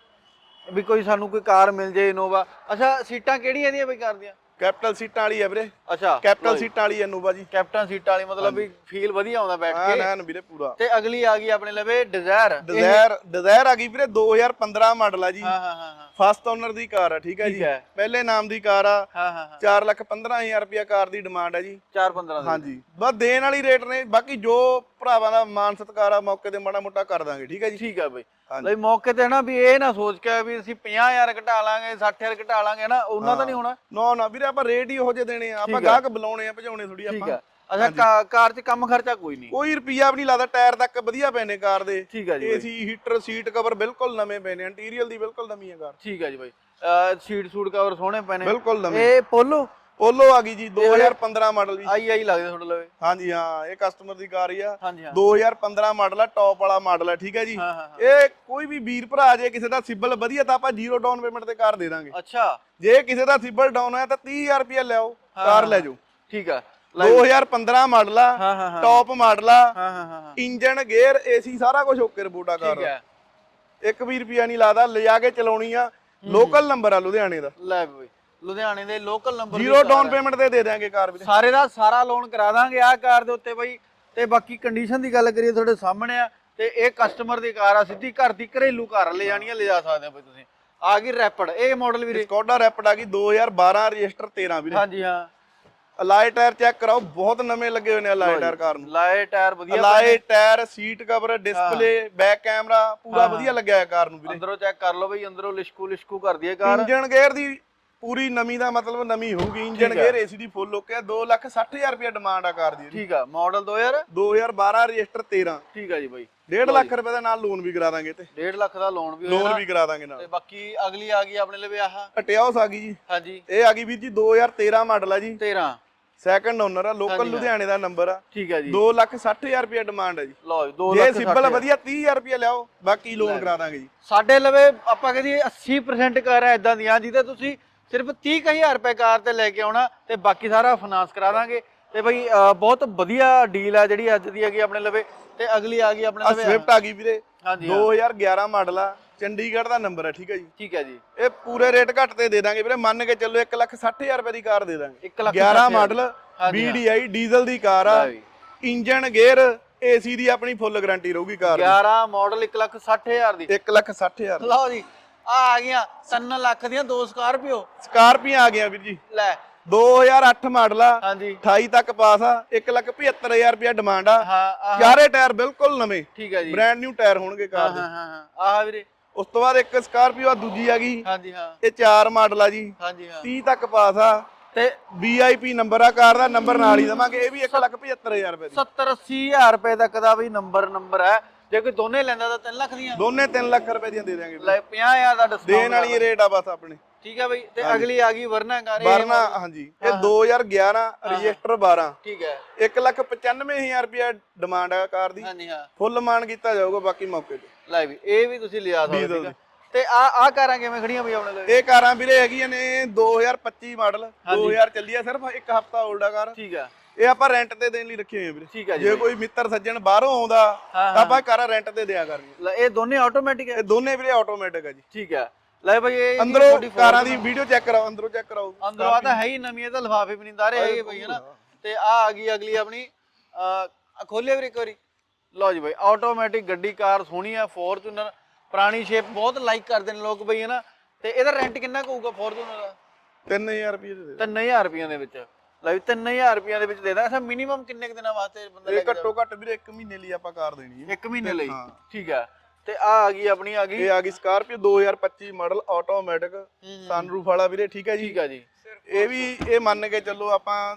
ਵੀ ਕੋਈ ਸਾਨੂੰ ਕੋਈ ਕਾਰ ਮਿਲ ਜੇ ਇਨੋਵਾ। ਅੱਛਾ ਸੀਟਾਂ ਕਿਹੜੀਆਂ ਇਹਦੀਆਂ ਬਈ ਕਾਰ ਦੀਆਂ? ਕੈਪਟਨ ਸੀਟਾਂ ਵਾਲੀ ਹੈ ਵੀਰੇ। ਅੱਛਾ ਕੈਪਟਨ ਸੀਟਾਂ ਵਾਲੀ ਇਨੋਵਾ ਜੀ। ਕੈਪਟਨ ਸੀਟਾਂ ਵਾਲੀ ਮਤਲਬ ਵੀ ਫੀਲ ਵਧੀਆ ਆਉਂਦਾ ਬੈਠ ਕੇ। ਐਨ ਵੀਰੇ ਪੂਰਾ। ਤੇ ਅਗਲੀ ਆ ਗਈ ਆਪਣੇ ਲਵੇ ਡਿਜ਼ਾਇਰ। ਡਿਜ਼ਾਇਰ ਡਿਜ਼ਾਇਰ ਆ ਗਈ ਵੀਰੇ ਦੋ ਹਜ਼ਾਰ ਪੰਦਰਾਂ ਮਾਡਲ ਆ ਜੀ। ਹਾਂ ਹਾਂ ਹਾਂ ਹਾਂ ਫਸਟ ਓਨਰ ਦੀ ਕਾਰ ਆ, ਠੀਕ ਹੈ ਜੀ। ਪਹਿਲੇ ਨਾਮ ਦੀ ਕਾਰ ਆ। ਹਾਂ ਹਾਂ ਹਾਂ ਚਾਰ ਲੱਖ ਪੰਦਰਾਂ ਹਜ਼ਾਰ ਰੁਪਇਆ ਕਾਰ ਦੀ ਡਿਮਾਂਡ ਹੈ ਜੀ। ਚਾਰ ਪੰਦਰਾਂ ਦੀ। ਹਾਂਜੀ ਬਸ ਦੇਣ ਵਾਲੀ ਰੇਟ ਨੇ, ਬਾਕੀ ਜੋ ਭਰਾਵਾਂ ਦਾ ਮਾਨ ਸਤਿਕਾਰ ਆ ਮੌਕੇ ਤੇ ਮਾੜਾ ਮੋਟਾ ਕਰ ਦਾਂਗੇ, ਠੀਕ ਹੈ ਜੀ। ਠੀਕ ਆ ਬਈ। ਲਈ ਮੌਕੇ ਤੇ ਨਾ ਵੀ ਇਹ ਨਾ ਸੋਚ ਕੇ ਵੀ ਅਸੀਂ ਪੰਜਾਹ ਹਜ਼ਾਰ ਘਟਾ ਲਾਂਗੇ ਸੱਠ ਹਜ਼ਾਰ ਘਟਾ ਲਾਂਗੇ ਨਾ, ਉਹਨਾਂ ਦਾ ਨਹੀਂ ਹੋਣਾ। ਨਾ ਨਾ ਵੀਰੇ ਆਪਾਂ ਰੇਟ ਹੀ ਉਹੋ ਜਿਹੇ ਦੇਣੇ ਆ, ਆਪਾਂ ਗਾਹਕ ਬੁਲਾਉਣੇ ਆ, ਭਜਾਉਣੇ ਥੋੜੀ ਆਪਾਂ। ਠੀਕ ਆ। ਅੱਛਾ ਕਾਰ 'ਚ ਕੰਮ ਖਰਚਾ ਕੋਈ ਨਹੀਂ? ਕੋਈ ਰੁਪਿਆ ਵੀ ਨਹੀਂ ਲੱਗਦਾ, ਟਾਇਰ ਤੱਕ ਵਧੀਆ ਪਏ ਨੇ ਕਾਰ ਦੇ। ਠੀਕ ਆ ਜੀ। ਏਸੀ ਹੀਟਰ ਸੀਟ ਕਵਰ ਬਿਲਕੁਲ ਨਵੇਂ ਪਏ ਨੇ, ਇੰਟੀਰੀਅਰ ਦੀ ਬਿਲਕੁਲ ਨਵੀਂ ਹੈ ਕਾਰ। ਠੀਕ ਆ ਜੀ ਬਾਈ। ਸੀਟ ਸੂਟ ਕਵਰ ਸੋਹਣੇ ਪਏ ਨੇ ਬਿਲਕੁਲ ਨਵੇਂ। ਇਹ ਪੋਲੋ ਪੋਲੋ ਆ ਗਈ ਜੀ ਦੋ ਹਜ਼ਾਰ ਪੰਦਰਾਂ ਮਾਡਲ ਜੀ। ਆਈ ਆਈ ਲੱਗਦੇ ਤੁਹਾਡੇ ਲਵੇ। ਹਾਂਜੀ ਹਾਂ ਇਹ ਕਸਟਮਰ ਦੀ ਕਾਰ ਹੀ ਆ। ਹਾਂਜੀ ਹਾਂ ਦੋ ਹਜ਼ਾਰ ਪੰਦਰਾਂ ਮਾਡਲ ਆ, ਟੌਪ ਵਾਲਾ ਮਾਡਲ ਆ, ਠੀਕ ਹੈ ਜੀ। ਹਾਂ ਹਾਂ ਇਹ ਕੋਈ ਵੀ ਵੀਰ ਭਰਾ ਜੇ ਕਿਸੇ ਦਾ ਸਿਬਲ ਵਧੀਆ ਤਾਂ ਆਪਾਂ ਜ਼ੀਰੋ ਡਾਊਨ ਪੇਮੈਂਟ ਤੇ ਕਾਰ ਦੇ ਦਾਂਗੇ। ਅੱਛਾ ਜੇ ਕਿਸੇ ਦਾ ਸਿਬਲ ਡਾਊਨ ਹੋਇਆ ਤਾਂ ਤੀਹ ਹਜ਼ਾਰ ਰੁਪਇਆ ਲਿਆਓ, ਕਾਰ ਲੈ ਜਾਓ। ਠੀਕ ਆ। ਦੋ ਹਜ਼ਾਰ ਪੰਦਰਾਂ ਮਾਡਲ ਆ, ਹਾਂ ਹਾਂ ਹਾਂ ਟੌਪ ਮਾਡਲ ਆ, ਹਾਂ ਹਾਂ ਹਾਂ ਇੰਜਨ ਗੇਅਰ ਏਸੀ ਸਾਰਾ ਕੁਝ ਓਕੇ ਰਿਪੋਰਟ ਆ ਕਾਰ ਠੀਕ ਦਾ। ਹੈ। ਇੱਕ ਵੀ ਰੁਪਿਆ ਨਹੀਂ ਲਾਦਾ, ਲਿਜਾ ਕੇ ਚਲਾਉਣੀ ਆ। ਲੋਕਲ ਨੰਬਰ ਆ ਲੁਧਿਆਣੇ ਦਾ। ਲੈ ਬਈ ਲੁਧਿਆਣੇ ਦੇ local number zero down payment ਤੇ ਦੇ ਦਿਆਂਗੇ ਕਾਰ ਵੀਰੇ। ਸਾਰੇ ਦਾ ਸਾਰਾ ਲੋਨ ਕਰਾ ਦਾਂਗੇ ਆ ਕਾਰ ਦੇ ਉੱਤੇ ਬਈ। ਤੇ ਬਾਕੀ ਕੰਡੀਸ਼ਨ ਦੀ ਗੱਲ ਕਰੀਏ ਤੁਹਾਡੇ ਸਾਹਮਣੇ ਆ। ਤੇ ਇਹ ਕਸਟਮਰ ਦੀ ਕਾਰ ਆ, ਸਿੱਧੀ ਘਰ ਦੀ ਘਰੇਲੂ ਕਾਰ ਲੈ ਜਾਣੀ ਆ, ਲੈ ਜਾ ਸਕਦੇ ਆ ਬਈ ਤੁਸੀਂ। ਆ ਗਈ ਰੈਪਿਡ, ਇਹ ਮਾਡਲ ਵੀਰੇ ਸਕੋਡਾ ਰੈਪਿਡ ਆ ਗਈ ਦੋ ਹਜ਼ਾਰ ਬਾਰਾਂ ਰਜਿਸਟਰ ਤੇਰਾਂ ਵੀਰੇ। ਹਾਂਜੀ ਹਾਂ। ਅਲਾਈ ਟਾਇਰ ਚੈੱਕ ਕਰਾਓ, ਬਹੁਤ ਨਵੇਂ ਲੱਗੇ ਹੋਏ ਨੇ ਅਲਾਈ ਟਾਇਰ ਕਾਰ ਨੂੰ। ਲਾਏ ਟਾਇਰ ਵਧੀਆ, alloy tyre, seat cover, display, back camera ਪੂਰਾ ਵਧੀਆ ਲੱਗਿਆ ਹੈ ਕਾਰ ਨੂੰ ਵੀਰੇ। ਅੰਦਰੋਂ ਚੈੱਕ ਕਰ ਲਓ ਬਈ, ਅੰਦਰੋਂ ਲਿਸ਼ਕੂ ਲਿਸ਼ਕੂ ਕਰਦੀ ਹੈ ਕਾਰ। ਇੰਜਨ ਗੇਅਰ ਦੀ ਪੂਰੀ ਨਵੀਂ ਦਾ ਮਤਲਬ ਨਵੀਂ ਹੋਊਗੀ। ਇੰਜਨ ਗੇਅਰ ਏਸੀ ਦੀ ਫੁੱਲ ਓਕੇ ਆ। ਦੋ ਲੱਖ ਸੱਠ ਹਜ਼ਾਰ ਰੁਪਇਆ ਡਿਮਾਂਡ ਆ ਕਾਰ ਦੀ। ਠੀਕ ਆ। ਮਾਡਲ ਦੋ ਹਜ਼ਾਰ ਦੋ ਹਜ਼ਾਰ ਬਾਰਾਂ ਰਜਿਸਟਰ ਤੇਰਾਂ। ਠੀਕ ਆ ਜੀ ਬਾਈ। ਡੇਢ ਲੱਖ ਰੁਪਏ ਦਾ ਨਾਲ ਲੋਨ ਵੀ ਕਰਾ ਦਾਂਗੇ ਤੇ ਡੇਢ ਲੱਖ ਦਾ ਲੋਨ ਵੀ ਲੋਨ ਵੀ ਕਰਾ ਦਾਂਗੇ ਨਾਲ। ਤੇ ਬਾਕੀ ਅਗਲੀ ਆ ਗਈ ਆਪਣੇ ਲਈ ਆਹ ਅਟਿਆਸ ਆ ਗਈ ਜੀ। ਹਾਂਜੀ ਇਹ ਆ ਗਈ ਵੀਰ ਜੀ ਦੋ ਹਜ਼ਾਰ ਤੇਰਾਂ ਮਾਡਲ ਆ ਜੀ। ਤੇਰਾਂ ਸੈਕੰਡ ਓਨਰ ਆ, ਲੋਕਲ ਲੁਧਿਆਣੇ ਦਾ ਨੰਬਰ ਆ। ਠੀਕ ਹੈ ਜੀ। ਦੋ ਲੱਖ ਸੱਠ ਹਜ਼ਾਰ ਰੁਪਇਆ ਡਿਮਾਂਡ ਹੈ ਜੀ। ਲਓ ਜੀ ਦੋ ਜੇ ਲੱਖ ਸਿੰਪਲ ਵਧੀਆ ਤੀਹ ਹਜ਼ਾਰ ਰੁਪਇਆ ਲਿਆਓ, ਬਾਕੀ ਲੋਨ ਕਰਾ ਦਾਂਗੇ ਜੀ। ਸਾਡੇ ਲਵੇ ਆਪਾਂ ਕਹਿੰਦੇ ਅੱਸੀ ਪਰਸੈਂਟ ਕਾਰ ਹੈ ਇਦਾਂ ਦੀਆਂ ਜਿਹਦੇ ਤੁਸੀਂ ਸਿਰਫ ਤੀਹ ਹਜ਼ਾਰ ਰੁਪਏ ਕਾਰ ਤੇ ਲੈ ਕੇ ਆਉਣਾ ਤੇ ਬਾਕੀ ਸਾਰਾ ਫਾਈਨਾਂਸ ਕਰਾ ਦਾਂਗੇ। ਤੇ ਬਈ ਬਹੁਤ ਵਧੀਆ ਡੀਲ ਆ ਜਿਹੜੀ ਅੱਜ ਦੀ ਹੈਗੀ ਆਪਣੇ ਲਵੇ। ਤੇ ਅਗਲੀ ਆ ਗਈ ਆਪਣੇ ਲਵੇ ਸਵਿਫਟ ਆ ਗਈ ਵੀਰੇ। ਹਾਂਜੀ ਦੋ ਹਜ਼ਾਰ ਗਿਆਰਾਂ ਮਾਡਲ ਆ, ਚੰਡੀਗੜ੍ਹ ਦਾ ਨੰਬਰ ਹੈ, ਠੀਕ ਹੈ ਜੀ। ਠੀਕ ਹੈ ਜੀ। ਇਹ ਪੂਰੇ ਰੇਟ ਘੱਟ ਤੇ ਦੇ ਦਾਂਗੇ ਵੀਰੇ, ਮੰਨ ਕੇ ਚੱਲੋ ਇੱਕ ਲੱਖ ਸੱਠ ਹਜ਼ਾਰ ਰੁਪਏ ਦੀ ਕਾਰ ਦੇ ਦਾਂਗੇ। ਇੱਕ ਲੱਖ ਗਿਆਰਾਂ model B D I diesel ਦੀ ਕਾਰ ਆ। ਇੰਜਨ ਗੇਅਰ ਏਸੀ ਦੀ ਆਪਣੀ ਫੁੱਲ ਗਾਰੰਟੀ ਰਹੂਗੀ ਕਾਰ ਦੀ। ਗਿਆਰਾਂ ਮਾਡਲ ਇੱਕ ਲੱਖ ਸੱਠ ਹਜ਼ਾਰ ਦੀ। ਇੱਕ ਲੱਖ ਸੱਠ ਹਜ਼ਾਰ। ਲਓ ਜੀ ਆ ਆ ਗਈਆਂ ਤਿੰਨ ਲੱਖ ਦੀਆਂ ਦੋ ਸਕਾਰਪੀਓ। ਸਕਾਰਪੀਆਂ ਆ ਗਈਆਂ ਵੀਰ ਜੀ। ਲੈ ਦੋ ਹਜ਼ਾਰ ਅੱਠ ਮਾਡਲ ਆ, ਹਾਂਜੀ ਅਠਾਈ ਤੱਕ ਪਾਸ ਆ। ਇੱਕ ਲੱਖ ਪਝੱਤਰ ਹਜ਼ਾਰ ਰੁਪਇਆ ਡਿਮਾਂਡ ਆ। ਹਾਂ ਚਾਰੇ ਟਾਇਰ ਬਿਲਕੁਲ ਨਵੇਂ, ਠੀਕ ਹੈ ਜੀ। ਬ੍ਰਾਂਡ ਨਿਊ ਟਾਇਰ ਹੋਣਗੇ ਕਾਰ ਦੇ। ਹਾਂ ਹਾਂ ਹਾਂ ਆਹ ਵੀਰੇ। ਉਸ ਤੋਂ ਬਾਅਦ ਇੱਕ ਸਕਾਰਪੀਓ ਆ, ਦੂਜੀ ਆ ਗਈ। ਹਾਂਜੀ ਹਾਂ ਇਹ ਚਾਰ ਮਾਡਲ ਆ ਜੀ। ਹਾਂਜੀ ਹਾਂ ਤੀਹ ਤੱਕ ਪਾਸ ਆ ਤੇ ਵੀ ਆਈ ਪੀ ਨੰਬਰ ਆ ਕਾਰ ਦਾ, ਨੰਬਰ ਨਾਲ ਹੀ ਦਵਾਂਗੇ। ਇਹ ਵੀ ਇੱਕ ਲੱਖ ਪਝੱਤਰ ਹਜ਼ਾਰ ਰੁਪਏ ਦੀ। ਸੱਤਰ ਅੱਸੀ ਹਜ਼ਾਰ ਰੁਪਏ ਤੱਕ ਦਾ ਵੀ ਨੰਬਰ ਨੰਬਰ ਹੈ। ਜੇ ਕੋਈ ਦੋਨੇ ਲੈਂਦਾ ਤਾਂ ਤਿੰਨ ਲੱਖ ਦੀਆਂ। ਦੋਨੇ ਤਿੰਨ ਲੱਖ ਰੁਪਏ ਦੀਆਂ ਦੇ ਦਿਆਂਗੇ। ਲੈ ਪੰਜਾਹ ਹਜ਼ਾਰ ਦਾ ਡਿਸਕਾਊਂਟ ਦੇਣ ਵਾਲੀ ਰੇਟ ਆ ਬਸ ਆਪਣੇ। ਠੀਕ ਹੈ ਬਈ। ਤੇ ਅਗਲੀ ਆ ਗਈ ਵਰਨਾ ਕਾਰ। ਵਰਨਾ ਹਾਂਜੀ ਇਹ ਦੋ ਹਜ਼ਾਰ ਗਿਆਰਾਂ ਰਜਿਸਟਰ ਬਾਰਾਂ। ਠੀਕ ਹੈ। ਇੱਕ ਲੱਖ ਪਚਾਨਵੇਂ ਹਜ਼ਾਰ ਰੁਪਇਆ ਡਿਮਾਂਡ ਆ ਕਾਰ ਦੀ। ਹਾਂਜੀ ਹਾਂ ਫੁੱਲ ਮਾਨ ਕੀਤਾ ਜਾਊਗਾ, ਬਾਕੀ ਮੌਕੇ ਤੇ। ਲੈ ਵੀ ਇਹ ਵੀ ਤੁਸੀਂ ਲਿਆ ਸਕਦੇ ਹੋ। ਤੇ ਆ ਆ ਕਾਰਾਂ ਕਿਵੇਂ ਖੜੀਆਂ ਬਈ ਆਪਣੇ ਲਈ? ਇਹ ਕਾਰਾਂ ਵੀਰੇ ਹੈਗੀਆਂ ਨੇ ਦੋ ਹਜ਼ਾਰ ਪੱਚੀ ਮਾਡਲ, ਦੋ ਹਜ਼ਾਰ ਚੱਲੀ ਆ, ਸਿਰਫ ਇੱਕ ਹਫਤਾ 올ਡ ਆ ਕਾਰ। ਠੀਕ ਆ। ਇਹ ਆਪਾਂ ਰੈਂਟ ਤੇ ਦੇਣ ਲਈ ਰੱਖੀ ਹੋਈ ਆ ਵੀਰੇ। ਠੀਕ ਆ ਜੀ। ਜੇ ਕੋਈ ਮਿੱਤਰ ਸੱਜਣ ਬਾਹਰੋਂ ਆਉਂਦਾ ਤਾਂ ਆਪਾਂ ਕਾਰਾਂ ਰੈਂਟ ਤੇ ਦਿਆ ਕਰਨੀ। ਲੈ ਇਹ ਦੋਨੇ ਆਟੋਮੈਟਿਕ ਹੈ? ਇਹ ਦੋਨੇ ਵੀਰੇ ਆਟੋਮੈਟਿਕ ਆ ਜੀ। ਠੀਕ ਹੈ। ਲੈ ਬਈ ਇਹ ਅੰਦਰੋਂ ਕਾਰਾਂ ਦੀ ਵੀਡੀਓ ਚੈੱਕ ਕਰਾਓ, ਅੰਦਰੋਂ ਚੈੱਕ ਕਰਾਓ। ਅੰਦਰੋਂ ਆ ਤਾਂ ਹੈ ਹੀ ਨਵੀਂ, ਇਹ ਤਾਂ ਲਿਫਾਫੇ ਵੀ ਨਹੀਂ ਦਾਰੇ ਹੈਗੇ ਬਈ ਹਨਾ। ਤੇ ਆ ਆ ਗਈ ਅਗਲੀ ਆਪਣੀ ਅ ਖੋਲਿਆ ਵੀਰੇ ਇੱਕ ਵਾਰੀ। ਲਓ ਜੀ ਬਈ ਆਟੋਮੈਟਿਕ ਗੱਡੀ ਕਾਰ ਸੋਹਣੀ ਆ, ਫੋਰਚੂਨਰ ਪੁਰਾਣੀ ਸ਼ੇਪ ਬਹੁਤ ਲਾਈਕ ਕਰਦੇ ਨੇ ਲੋਕ ਬਈ ਹਨਾ। ਤੇ ਇਹਦਾ ਰੈਂਟ ਕਿੰਨਾ ਕੁ ਹੋਊਗਾ ਫੋਰਚੂਨਰ ਦਾ? ਤਿੰਨ ਹਜ਼ਾਰ ਰੁਪਏ ਦੇ ਦੇ। ਤਿੰਨ ਹਜ਼ਾਰ ਰੁਪਈਆਂ ਦੇ ਵਿੱਚ। ਲੈ ਵੀ ਤਿੰਨ ਹਜ਼ਾਰ ਰੁਪਈਆਂ ਦੇ ਵਿੱਚ ਦੇ ਦਾਂ। ਅੱਛਾ ਮਿਨੀਮਮ ਕਿੰਨੇ ਕੁ ਦਿਨਾਂ ਵਾਸਤੇ ਬੰਦਾ ਲੈ ਕੇ ਘੱਟੋ ਘੱਟ ਵੀਰੇ ਇੱਕ ਮਹੀਨੇ ਲਈ ਆਪਾਂ ਕਾਰ ਦੇਣੀ ਹੈ। ਇੱਕ ਮਹੀਨੇ ਲਈ? ਠੀਕ ਆ। ਤੇ ਆ ਆ ਗਈ ਆਪਣੀ ਆ ਗਈ ਇਹ ਆ ਗਈ ਸਕਾਰਪੀਓ ਦੋ ਹਜ਼ਾਰ ਪੱਚੀ ਮਾਡਲ ਆਟੋਮੈਟਿਕ ਸਨਰੂਫ ਵਾਲਾ ਵੀਰੇ। ਠੀਕ ਹੈ ਜੀ। ਠੀਕ ਆ ਜੀ। ਇਹ ਵੀ ਇਹ ਮੰਨ ਕੇ ਚੱਲੋ ਆਪਾਂ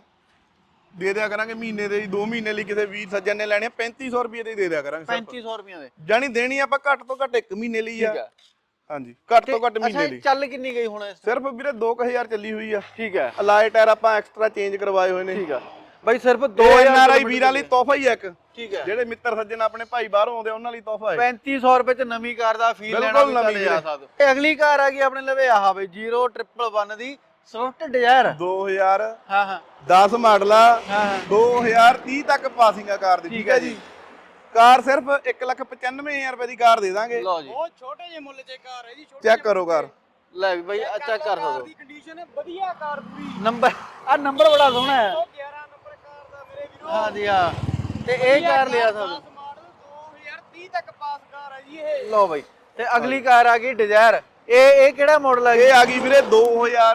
ਦੇ ਦਿਆ ਕਰਾਂਗੇ ਮਹੀਨੇ ਦੇ, ਦੋ ਮਹੀਨੇ ਲਈ ਕਿਸੇ ਵੀਰ ਸੱਜਣ ਨੇ ਲੈਣੇ ਪੈਂਤੀ ਸੌ ਰੁਪਏ ਦੇ ਦੇ ਦਿਆ ਕਰਾਂਗੇ। ਪੈਂਤੀ ਸੌ ਰੁਪਈਆਂ ਦੇ ਜਾਨੀ ਦੇਣੀ ਆਪਾਂ ਘੱਟ ਤੋਂ ਘੱਟ ਇੱਕ ਮਹੀਨੇ ਲਈ ਆ। ਠੀਕ ਆ। ਹਾਂਜੀ ਘੱਟ ਤੋਂ ਘੱਟ ਮਹੀਨੇ ਲਈ। ਚੱਲ ਕਿੰਨੀ ਗਈ ਹੁਣ? ਸਿਰਫ ਵੀਰੇ ਦੋ ਕੁ ਹਜ਼ਾਰ ਚੱਲੀ ਹੋਈ ਆ। ਠੀਕ ਹੈ। ਅਲਾਈ ਟਾਇਰ ਆਪਾਂ ਐਕਸਟਰਾ ਚੇਂਜ ਕਰਵਾਏ ਹੋਏ ਨੇ। ਠੀਕ ਆ ਬਾਈ। ਸਿਰਫ ਦੋ ਹਜ਼ਾਰ ਐਨ ਆਰ ਆਈ ਵੀਰਾਂ ਲਈ ਤੋਹਫਾ ਹੀ ਇੱਕ। ਠੀਕ ਹੈ। ਜਿਹੜੇ ਮਿੱਤਰ ਸੱਜਣ ਆਪਣੇ ਭਾਈ ਬਾਹਰੋਂ ਆਉਂਦੇ ਉਹਨਾਂ ਲਈ ਤੋਹਫਾ ਹੈ। ਪੈਂਤੀ ਸੌ ਰੁਪਏ ਚ ਨਵੀਂ ਕਾਰ ਦਾ ਫੀਲ ਲੈਣਾ ਵੀ ਤਾਂ ਜਾ ਸਕਦੇ। ਤੇ ਅਗਲੀ ਕਾਰ ਆ ਗਈ ਆਪਣੇ ਲਵੇ ਆਹ ਬਈ ਜ਼ੀਰੋ ਟ੍ਰਿਪਲ ਵਨ ਦੀ ਸਵਿਫਟ ਡਿਜ਼ਾਇਰ ਦੋ ਹਜ਼ਾਰ ਹਾਂ ਹਾਂ ਦਸ ਮਾਡਲ ਆ। ਹਾਂ ਦੋ ਹਜ਼ਾਰ ਤੀਹ ਤੱਕ ਪਾਸਿੰਗ ਆ ਕਾਰ ਦੀ। ਠੀਕ ਹੈ ਜੀ। ਕਾਰ ਸਿਰਫ ਇੱਕ ਲੱਖ ਪਚਾਨਵੇਂ ਹਜ਼ਾਰ ਰੁਪਏ ਦੀ ਕਾਰ ਦੇ ਦਾਂਗੇ। ਲਓ ਜੀ ਬਹੁਤ ਛੋਟੇ ਜਿਹੇ ਮੁੱਲ 'ਚ ਕਾਰ ਹੈ ਜੀ, ਛੋਟੇ ਚੈੱਕ ਕਰੋ ਕਾਰ। ਲੈ ਵੀ ਬਾਈ ਚੈੱਕ ਕਰ ਕਾਰ ਸਕਦੇ ਦੀ ਕੰਡੀਸ਼ਨ ਵਧੀਆ, ਕਾਰ ਪੂਰੀ ਨੰਬਰ ਆ ਨੰਬਰ ਬੜਾ ਸੋਹਣਾ ਹੈ। ਉਹ ਗਿਆਰਾਂ ਨੰਬਰ ਕਾਰ ਦਾ ਮੇਰੇ ਵੀਰੋ। ਹਾਂਜੀ ਹਾਂ, ਤੇ ਇਹ ਕਾਰ ਲਿਆ ਸਕਦੇ। ਦਸ ਮਾਡਲ ਦੋ ਹਜ਼ਾਰ ਤੀਹ ਤੱਕ ਪਾਸ ਕਾਰ ਹੈ ਜੀ ਇਹ। ਲਓ ਬਾਈ, ਤੇ ਅਗਲੀ ਕਾਰ ਆ ਗਈ ਡਿਜ਼ਾਇਰ। ਇਹ ਇਹ ਕਿਹੜਾ ਮਾਡਲ ਹੈ? ਇਹ ਆ ਗਈ ਵੀਰੇ ਦੋ ਹਜ਼ਾਰ